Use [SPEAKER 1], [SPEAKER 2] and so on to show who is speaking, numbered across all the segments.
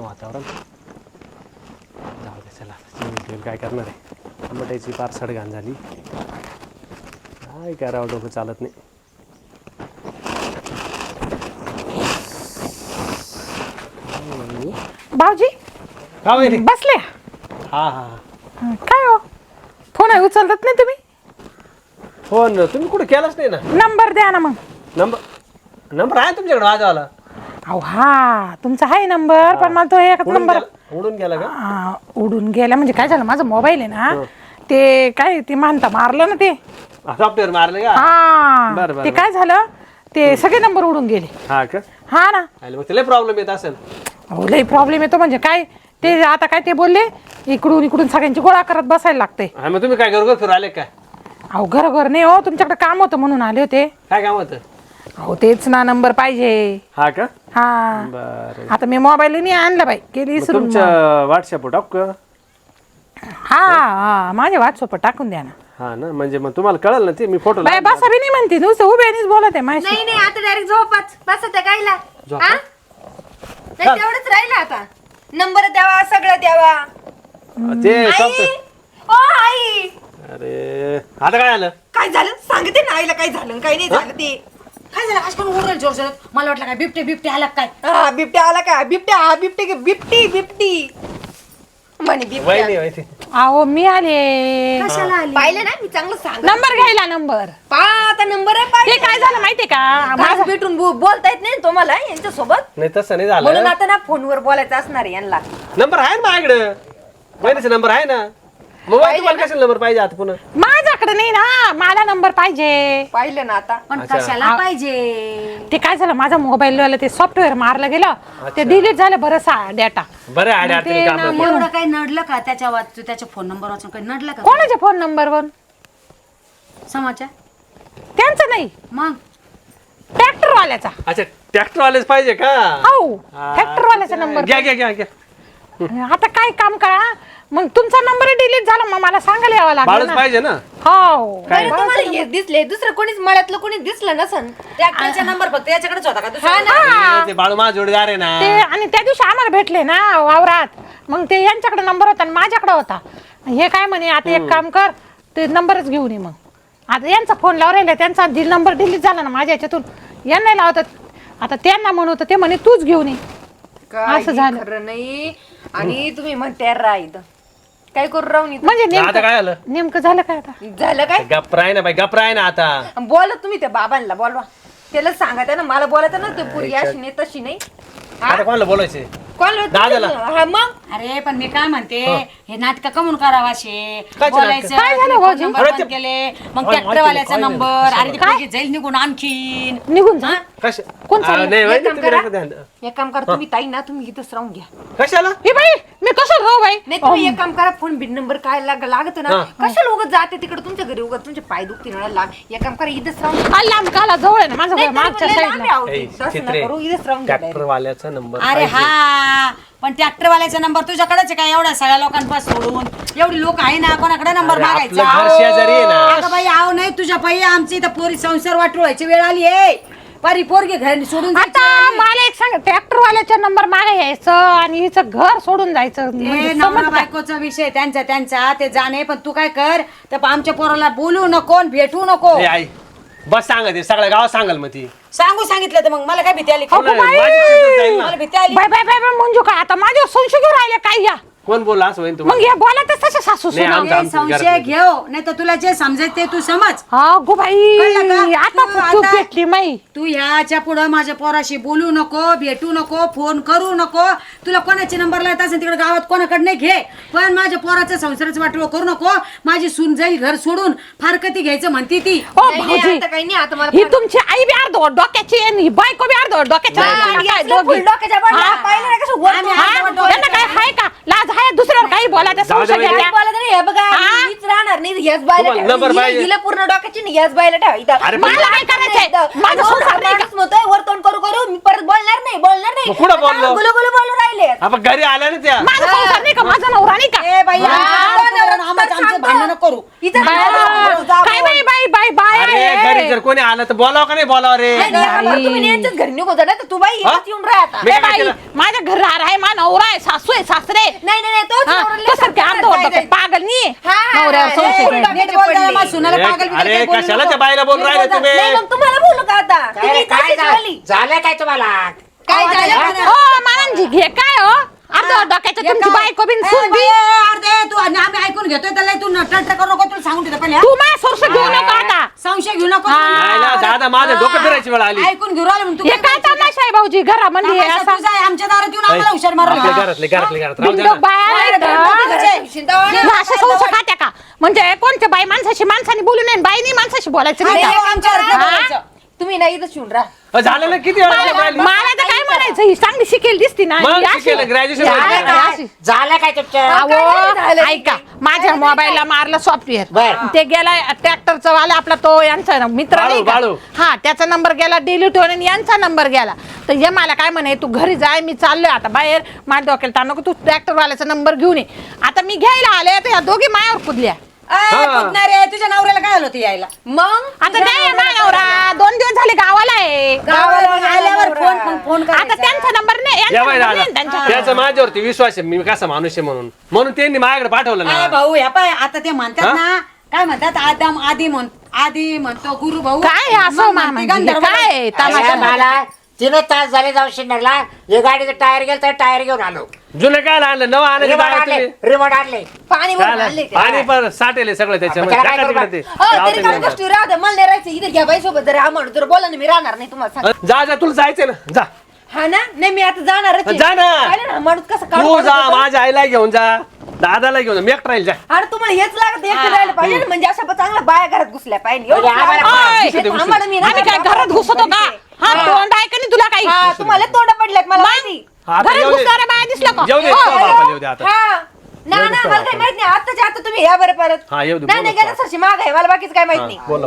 [SPEAKER 1] वातावरण. जाऊ दे चला, काय करणार आहे. टमाट्याची पार सडघाण झाली. काय करावं, डोकं चालत नाही.
[SPEAKER 2] भाऊजी बसले.
[SPEAKER 1] हा हा
[SPEAKER 2] काय हो, फोन आहे उचलत नाही तुम्ही?
[SPEAKER 1] फोन तुम्ही कुठे केलाच नाही ना.
[SPEAKER 2] नंबर द्या ना. मग
[SPEAKER 1] नंबर आहे तुमच्याकडे माझावाला?
[SPEAKER 2] अहो हा तुमचा आहे नंबर, पण मला तो एक नंबर
[SPEAKER 1] उडून गेला का?
[SPEAKER 2] उडून गेला म्हणजे काय झालं, माझा मोबाईल आहे ना ते काय ते मानता मारलं ना, ते
[SPEAKER 1] सॉफ्टवेअर मारलं का?
[SPEAKER 2] हा ते काय झालं, ते सगळे नंबर उडून गेले.
[SPEAKER 1] हा का?
[SPEAKER 2] हा ना.
[SPEAKER 1] मग त्याला प्रॉब्लेम येत असेल.
[SPEAKER 2] अहो लई प्रॉब्लेम येतो. म्हणजे काय ते आता काय ते बोलले, इकडून सगळ्यांची गोळा करत बसायला लागते.
[SPEAKER 1] मग तुम्ही काय घर फिरू आले काय?
[SPEAKER 2] अहो घर नाही हो, तुमच्याकडे काम होतं म्हणून आले होते.
[SPEAKER 1] काय काम होतं?
[SPEAKER 2] अहो तेच ना, नंबर पाहिजे.
[SPEAKER 1] हा का?
[SPEAKER 2] हा
[SPEAKER 1] बरं.
[SPEAKER 2] आता मी मोबाईल नाही आणला बाई, गेली विसरून.
[SPEAKER 1] तुमच्या व्हॉट्सअप टाकू का?
[SPEAKER 2] हा माझ्या व्हॉट्सअप टाकून द्या ना.
[SPEAKER 1] हा ना, म्हणजे मग तुम्हाला कळलं ना ते. मी फोटो
[SPEAKER 2] बाय बसा बी नाही म्हणते, नुसतं उभ्यानीच बोलत आहे माझ्याशी.
[SPEAKER 3] नाही आता डायरेक्ट झोपाच बस त्या गायला. नाही तेवढंच राहिलं आता. नंबर द्यावा, सगळं द्यावा.
[SPEAKER 1] ते
[SPEAKER 3] आई ओ आई,
[SPEAKER 1] अरे आता काय आलं?
[SPEAKER 3] काय झालं सांगते ना आईला, काय झालं काय नाही झालं ते.
[SPEAKER 4] काय झालं आज कोण ओरडलं जोर जोरात? मला वाटलं काय बिबटे आला काय?
[SPEAKER 3] हा बिबट्या आला का? बिबटी म्हणे बिबट्या.
[SPEAKER 2] अहो मी आले.
[SPEAKER 4] कशाला आली?
[SPEAKER 3] पाहिलं ना मी चांगलं सांग.
[SPEAKER 2] नंबर घ्यायला. नंबर
[SPEAKER 3] पा आता नंबर आहे
[SPEAKER 2] ते
[SPEAKER 3] पाहिजे.
[SPEAKER 2] काय झालं माहितीये का,
[SPEAKER 3] माझं भेटून बोलता येत नाही तुम्हाला यांच्या सोबत,
[SPEAKER 1] नाही तसं नाही
[SPEAKER 3] म्हणून
[SPEAKER 1] झालं.
[SPEAKER 3] आता ना फोनवर बोलायचं असणार आहे यांना.
[SPEAKER 1] नंबर आहे ना माझ्याकडे, वहिनीचा नंबर आहे ना. मग तुम्हाला कशाला नंबर पाहिजे आता पुन्हा?
[SPEAKER 2] माझ्याकडे नाही ना, मला नंबर पाहिजे.
[SPEAKER 3] पाहिलं ना आता.
[SPEAKER 4] पण कशाला पाहिजे?
[SPEAKER 2] ते काय झालं, माझा मोबाईल ते सॉफ्टवेअर मारलं गेलं, ते डिलीट झालं बरंचसा डेटा.
[SPEAKER 1] बरं आडे आडे काम आहे.
[SPEAKER 4] एवढं काही नडलं का त्याच्या फोन नंबर वाचून काही नडलं का?
[SPEAKER 2] कोणाच्या फोन नंबरवर?
[SPEAKER 4] समाचार
[SPEAKER 2] त्यांचं नाही,
[SPEAKER 4] मग
[SPEAKER 2] ट्रॅक्टरवाल्याचा.
[SPEAKER 1] अच्छा, ट्रॅक्टरवालेच पाहिजे का?
[SPEAKER 2] हो ट्रॅक्टरवाल्याचा नंबर.
[SPEAKER 1] घ्या.
[SPEAKER 2] आता काय काम करा, मग तुमचा नंबर डिलीट झाला, मग मला सांगायला यावं लागलं
[SPEAKER 1] बाळच
[SPEAKER 2] ना.
[SPEAKER 1] पाहिजे ना.
[SPEAKER 2] हो
[SPEAKER 3] बरं, तुम्हाला हे दिसले दुसरं कोणीच मळ्यातलं कोणी दिसलं नसन.
[SPEAKER 4] ट्रॅक्टरचा नंबर फक्त याच्याकडेच होता का दुसरा?
[SPEAKER 1] ते बाळू माझा जोडीदार आहे ना.
[SPEAKER 2] ते आणि त्या दिवशी आम्हाला भेटले ना वावरात, मग ते यांच्याकडे नंबर होता आणि माझ्याकडे होता. हे काय म्हणे, आता एक काम कर, ते नंबरच घेऊन ये. मग आता यांचा फोन लावून राहिला, त्यांचा नंबर डिलीट झाला ना माझ्या याच्यातून, यांना लावतात. आता त्यांना म्हणत ते म्हणे तूच घेऊन ये.
[SPEAKER 3] असं झालं खरं नाही. आणि तुम्ही म्हणते राईद काय करू राहून
[SPEAKER 2] म्हणजे
[SPEAKER 1] आता काय आलं?
[SPEAKER 2] नेमकं झालं काय आता?
[SPEAKER 3] झालं काय?
[SPEAKER 1] गप्प राही ना बाई, गप्प राही ना आता.
[SPEAKER 3] बोला तुम्ही त्या बाबांना बोलवा, त्याला सांगा ना, मला बोलायचं ना. ते पोरगी अशी नाही तशी नाही.
[SPEAKER 1] आता कोणाला बोलायचे?
[SPEAKER 3] कोण
[SPEAKER 1] दादाला.
[SPEAKER 3] हा मग
[SPEAKER 4] अरे पण मी काय म्हणते, हे नाटक कमून करावं असे
[SPEAKER 1] काय
[SPEAKER 4] बोलायचं?
[SPEAKER 2] काय झालं
[SPEAKER 4] फोन
[SPEAKER 2] भाऊजी?
[SPEAKER 4] नंबर
[SPEAKER 1] अरे
[SPEAKER 4] बंद
[SPEAKER 1] ते-
[SPEAKER 4] केले, मग
[SPEAKER 1] काय
[SPEAKER 4] ट्रॅक्टरवाल्याचा
[SPEAKER 1] माहिती नाही,
[SPEAKER 4] नंबर.
[SPEAKER 1] काय
[SPEAKER 4] अरे ते पोरगी जाईल निघून आणखीन.
[SPEAKER 2] निघून जा. कोण चाललं?
[SPEAKER 1] नाही
[SPEAKER 3] एक
[SPEAKER 1] वहिनी,
[SPEAKER 3] काम
[SPEAKER 1] तुम्ही
[SPEAKER 3] करा.
[SPEAKER 1] नका ध्यान.
[SPEAKER 3] एक काम करा तुम्ही, ताई ना तुम्ही इथंच राहून घ्या.
[SPEAKER 1] कशाला?
[SPEAKER 2] हे बाई मी कसं राहू बाई?
[SPEAKER 3] नाही तुम्ही एक काम करा, फोन बिन नंबर काय लागत ना, कशाला उगत जाते तिकडे तुमच्या घरी, उगत तुमचे पाय दुखतील ना. एक काम करा, इथंच राहून घ्या.
[SPEAKER 2] लांब काला जवळ आहे ना माझं घर, मागच्या
[SPEAKER 3] लय लांब
[SPEAKER 2] साईडला.
[SPEAKER 3] आहे अहो ते.
[SPEAKER 1] ए,
[SPEAKER 3] तसं नका
[SPEAKER 1] चित्रे,
[SPEAKER 3] करू, इथंच राहून घ्या direct.
[SPEAKER 1] ट्रॅक्टरवाल्याचा नंबर
[SPEAKER 4] अरे हा, पण ट्रॅक्टरवाल्याचा नंबर तुझ्याकडेच आहे का? एवढ्या सगळ्या लोकांपासून सोडून एवढी लोक आहे ना, कोणाकडे नंबर
[SPEAKER 1] अरे,
[SPEAKER 4] मागायचा?
[SPEAKER 1] आपलं घर शेजारी आहे ना.
[SPEAKER 4] अगं बाई आव नाही तुझ्या बाई, आमची इथं पोरी संसार वाटवायची वेळ आली आहे. पारी पोरगी घरी सोडून
[SPEAKER 2] आता
[SPEAKER 4] जायची.
[SPEAKER 2] मला एक सांग, ट्रॅक्टरवाल्याचा नंबर मागे यायचं आणि हिचं घर सोडून जायचं, म्हणजे
[SPEAKER 4] हे नवरा
[SPEAKER 2] समजतं का?
[SPEAKER 4] बायकोचा विषय त्यांचा ते जाणे. पण तू काय कर, त्या आमच्या पोराला बोलू नको आणि भेटू नको.
[SPEAKER 1] ए, आई बस सांगा ते सगळ्या गावात सांगाल मग ती.
[SPEAKER 4] सांगितलं तर मग मला काय भीती आली?
[SPEAKER 2] अगो बाई!
[SPEAKER 1] माझी चिंता जाईल ना.
[SPEAKER 4] मला भीती आली.
[SPEAKER 2] Bye bye bye bye Manju काय आता माझ्यावर संशय घेऊन राहिले काय या?
[SPEAKER 1] कोण बोलला असं होईन
[SPEAKER 2] मग
[SPEAKER 1] तुम्हाला?
[SPEAKER 2] हे बोलातच तसे सासू
[SPEAKER 1] नाही,
[SPEAKER 2] सुना.
[SPEAKER 1] आमचं-
[SPEAKER 4] हे संशय
[SPEAKER 1] घरात
[SPEAKER 4] घेऊ, नाही तर तुला जे समजायचं ते तू समज.
[SPEAKER 2] हा गो बाई,
[SPEAKER 4] कळलं का?
[SPEAKER 2] आता
[SPEAKER 4] तू
[SPEAKER 2] तू
[SPEAKER 4] आता-
[SPEAKER 2] भेटली माई.
[SPEAKER 4] तू ह्याच्या पुढं माझ्या पोराशी बोलू नको, भेटू नको, फोन करू नको. तुला कोणाची नंबर लावत असेल तिकडे गावात कोणाकडे घे, पण माझ्या पोराचं संसाराचं वाटोळं करू नको. माझी सून जाईल घर सोडून, फारकती घ्यायचं म्हणती ती.
[SPEAKER 2] हो
[SPEAKER 3] नाही, नाही,
[SPEAKER 2] भाऊजी,
[SPEAKER 3] आता काही नाही, आता मला
[SPEAKER 2] ही
[SPEAKER 3] फार-
[SPEAKER 2] तुमची आई बी अर्ध डोक्याची आणि ही बायको बी अर्ध डोक्याची.
[SPEAKER 3] आणि
[SPEAKER 2] काय
[SPEAKER 3] असलं
[SPEAKER 2] दोघी?
[SPEAKER 3] फुल डोक्याच्या बाळाला
[SPEAKER 2] हा?
[SPEAKER 3] पाहिलं नाही कसं वर
[SPEAKER 4] आम्ही
[SPEAKER 3] तो
[SPEAKER 2] हा?
[SPEAKER 3] हात वर
[SPEAKER 2] त्यांना काय हाय का लाज हाय? दुसऱ्यावर काही बोलायचं
[SPEAKER 1] जाऊ दे
[SPEAKER 2] संशय
[SPEAKER 1] बाई.
[SPEAKER 2] घ्यायचा?
[SPEAKER 3] बोला तरी हे बघा,
[SPEAKER 2] हा?
[SPEAKER 3] हीच राहणार नाही, याच बायला
[SPEAKER 1] तुम्हाला
[SPEAKER 3] ठेवा.
[SPEAKER 1] नंबर
[SPEAKER 3] हिला-
[SPEAKER 1] पाहिजे.
[SPEAKER 3] हिला पूर्ण डोक्याची नाही, याच बायला ठेवा इथं.
[SPEAKER 1] अरे,
[SPEAKER 2] मला काय करायचंय? माझं संसार नाही का?
[SPEAKER 3] माणूस म्हणतोय वर तोंड करू करू, मी परत बोलणार नाही
[SPEAKER 1] मग कुठं बोललो?
[SPEAKER 3] गुलगुलू बोलू राहिले.
[SPEAKER 1] आपण घरी आल्या ना त्या.
[SPEAKER 2] माझा संसार नाही का? माझा नवरा नाही का?
[SPEAKER 4] ए बाई,
[SPEAKER 3] हा,
[SPEAKER 4] आमचं
[SPEAKER 3] नवरा
[SPEAKER 4] आमचं
[SPEAKER 3] सांगतो.
[SPEAKER 4] भांडण करू.
[SPEAKER 3] इथं
[SPEAKER 2] बाय,
[SPEAKER 3] जाऊ, जाऊ.
[SPEAKER 2] काय बाई बाई बाय बाय
[SPEAKER 1] अरे
[SPEAKER 2] आहे.
[SPEAKER 1] घरी जर कोणी आलं तर बोलावं का नाही बोलावं रे?
[SPEAKER 3] नाही, नाही, आपण तुम्ही यांच्याच घरी निघून जा, नाही तर तू बाई इथंच येऊन राहा आता.
[SPEAKER 1] मी
[SPEAKER 2] ए
[SPEAKER 1] काय
[SPEAKER 2] बाई,
[SPEAKER 1] केलं?
[SPEAKER 2] माझ्या घरावर आहे मा नवरा आहे सासू आहे सासरे
[SPEAKER 3] नाही नाही नाही, तोच
[SPEAKER 2] हा,
[SPEAKER 3] नवरा लय
[SPEAKER 2] कसं काय
[SPEAKER 3] सांभाळायला
[SPEAKER 2] अर्धवट
[SPEAKER 3] जायचं.
[SPEAKER 2] पागल नाही
[SPEAKER 3] हा,
[SPEAKER 2] नवऱ्यावर
[SPEAKER 3] हा,
[SPEAKER 2] संशय
[SPEAKER 3] हा,
[SPEAKER 2] नाही.
[SPEAKER 3] हा.
[SPEAKER 4] नीट बोल जरा, माझ्या सुनाला
[SPEAKER 1] अरे,
[SPEAKER 4] पागल बिगल
[SPEAKER 1] अरे,
[SPEAKER 4] काही बोलू
[SPEAKER 1] कशाला
[SPEAKER 4] नको.
[SPEAKER 1] त्या बाईला बोलून
[SPEAKER 4] नीट
[SPEAKER 1] राहिले
[SPEAKER 4] बोल
[SPEAKER 1] तुम्ही?
[SPEAKER 4] जरा.
[SPEAKER 3] नाही, मग तुम्हाला बोलू का आता? तुम्ही
[SPEAKER 5] काय
[SPEAKER 3] तशीच झाली.
[SPEAKER 5] झालंय काय तुम्हाला?
[SPEAKER 3] काय झालं
[SPEAKER 4] काय
[SPEAKER 3] म्हणा?
[SPEAKER 2] हो मानंजी घे काय हो अर्धवट डोक्याच्या तुमची बायको बिन सून बी
[SPEAKER 4] अर्धे तू आणि आम्ही ऐकून घेतोय त्याला तू नटनट करू नको, तुला सांगून देतो पहिले.
[SPEAKER 2] तू माझ्या सोर्स घेऊ नका आता
[SPEAKER 4] संशय घेऊ नको.
[SPEAKER 1] नाही ना, दादा माझं डोकं फिरायची वेळ आली.
[SPEAKER 4] ऐकून घेऊ राहिलो म्हणून तू
[SPEAKER 2] हे काय तमाशा आहे भाऊजी घरामध्ये
[SPEAKER 4] तमाशा
[SPEAKER 2] असा
[SPEAKER 4] तुझा आहे, आमच्या दारात येऊन आम्हाला हुशार
[SPEAKER 1] आपल्या
[SPEAKER 4] मारला.
[SPEAKER 1] घरात राहू द्या
[SPEAKER 2] बिंडोक
[SPEAKER 1] ना.
[SPEAKER 2] बाया
[SPEAKER 3] बाहेर
[SPEAKER 2] आहेत.
[SPEAKER 3] घरात घरात शिंदावणे.
[SPEAKER 2] ह्या अशा संस्था खात्या का म्हणजे कोणत्या बाई माणसाशी माणसाने बोलू नये बाईनी माणसाशी बोलायचं नाही
[SPEAKER 3] अरे,
[SPEAKER 2] का?
[SPEAKER 4] आमच्या घरात
[SPEAKER 2] हा?
[SPEAKER 4] बोलायचं.
[SPEAKER 3] तुम्ही नाही इथं शिवून राहा.
[SPEAKER 1] झालं ना किती वेळा बोलून राहिली?
[SPEAKER 2] मला तर काय म्हणायचं ही चांगली शिकेल दिसती ना
[SPEAKER 1] मग
[SPEAKER 2] ही अशी-
[SPEAKER 1] शिकेल, graduation
[SPEAKER 2] ही
[SPEAKER 1] झालं.
[SPEAKER 2] अशी-
[SPEAKER 5] झालं काय तुमचं?
[SPEAKER 2] अहो,
[SPEAKER 3] काय झालं?
[SPEAKER 2] ऐका माझ्या मोबाईलला मारलं सॉफ्टवेअर
[SPEAKER 5] बर.
[SPEAKER 2] ते गेला ट्रॅक्टरचा वाला आपला तो यांचा मित्र
[SPEAKER 1] बाळू,
[SPEAKER 2] नाही का
[SPEAKER 1] बाळू.
[SPEAKER 2] हा त्याचा नंबर गेला डिलीट होऊन आणि यांचा नंबर गेला तर हे मला काय म्हणे तू घरी जाय मी चाललोय आता बाहेर माझ्या डोक्याला ताण नको तू ट्रॅक्टर वाल्याचा नंबर घेऊन ये आता मी घ्यायला आले तर ह्या दोघी मायावर कुदल्या
[SPEAKER 4] रे तुझ्या नवऱ्याला काय आलं होतं यायला
[SPEAKER 3] मग
[SPEAKER 2] आता नाही मायावरा 2 दिवस झाले गावाला आहे
[SPEAKER 4] गावाला आल्यावर फोन
[SPEAKER 2] आता त्यांचा नंबर नाही यांचा
[SPEAKER 1] या बाई
[SPEAKER 2] number
[SPEAKER 1] दादा
[SPEAKER 2] नाही त्यांच्याकडे.
[SPEAKER 1] त्याचा माझ्यावरती विश्वास आहे मी कसा माणूस आहे म्हणून त्यांनी माझ्याकडे पाठवलं
[SPEAKER 4] काय
[SPEAKER 1] ना.
[SPEAKER 4] भाऊ ह्या पाय आता ते म्हणतात
[SPEAKER 1] हा?
[SPEAKER 4] ना काय म्हणतात आदम आदी म्हणतो गुरु भाऊ
[SPEAKER 2] काय हे असं
[SPEAKER 4] मग
[SPEAKER 2] मामा
[SPEAKER 4] म्हणते
[SPEAKER 2] म्हणजे?
[SPEAKER 4] गंधर्व
[SPEAKER 2] काय आहे?
[SPEAKER 4] बाई.
[SPEAKER 2] तमाशा
[SPEAKER 5] अरे मला 3 तास झाले जाऊ शिंदरला. हे गाडीचं टायर गेलं तर टायर घेऊन आलो.
[SPEAKER 1] जुनं काय आणलं नवं आणायचं
[SPEAKER 5] रिमोट
[SPEAKER 1] बाहेर
[SPEAKER 5] आणले
[SPEAKER 1] तुम्ही.
[SPEAKER 5] रिमोट आणले.
[SPEAKER 3] पाणी भरून
[SPEAKER 1] काय
[SPEAKER 3] आणले
[SPEAKER 1] आणलं?
[SPEAKER 3] का?
[SPEAKER 1] पाणी पण साठेल सगळं त्याच्यामध्ये
[SPEAKER 5] त्याला काय
[SPEAKER 1] टाका
[SPEAKER 5] करू
[SPEAKER 1] तिकडे ते.
[SPEAKER 3] हो,
[SPEAKER 1] जाऊ
[SPEAKER 3] तरी
[SPEAKER 1] दे
[SPEAKER 3] काय
[SPEAKER 1] नंतर.
[SPEAKER 3] गोष्टी राहू दे. मला नाही राहायचं इथे घ्या बाई सोबत जर आम्हाला जर बोला ना मी राहणार नाही तुम्हाला सांग.
[SPEAKER 1] जा जा तुला जायचंय ना जा
[SPEAKER 3] हा ना नाही मी आता जाणारच आहे.
[SPEAKER 1] जा ना.
[SPEAKER 3] पाहिलं ना माणूस कसं
[SPEAKER 1] तू
[SPEAKER 3] काढून
[SPEAKER 1] जा
[SPEAKER 3] काढतो.
[SPEAKER 1] माझ्या आईला घेऊन जा दादाला घेऊन जा मी एकटा राहील जा.
[SPEAKER 3] आणि तुम्हाला हेच लागत एकटं राहायला पाहिजे ना, म्हणजे अशा चांगल्या बाया घरात घुसल्या पाहिजे
[SPEAKER 5] म्हणजे
[SPEAKER 3] एवढंच
[SPEAKER 5] आम्हाला
[SPEAKER 3] लागतं.
[SPEAKER 2] ओय,
[SPEAKER 3] ते थांबाडं मी ना
[SPEAKER 2] आम्ही काय घरात घुसतो का हा तोंड आहे का नाही तुला काही
[SPEAKER 3] हा तुम्हाला तोंड पडल्यात मला माहिती.
[SPEAKER 1] आता
[SPEAKER 2] घरात
[SPEAKER 1] येऊ दे.
[SPEAKER 2] घुसणाऱ्या बाया दिसल्या का
[SPEAKER 1] येऊ दे
[SPEAKER 2] हो.
[SPEAKER 1] तो बापाला येऊ दे आता.
[SPEAKER 3] हा ना ना मला काही माहित नाही आताच्या आता तुम्ही या बरं परत
[SPEAKER 1] हा, येऊ दे,
[SPEAKER 3] नाही नाही
[SPEAKER 1] बोलू
[SPEAKER 3] गेलं सरशी माग आहे मला बाकीच काय माहित
[SPEAKER 1] हा,
[SPEAKER 3] नाही
[SPEAKER 1] बोलो.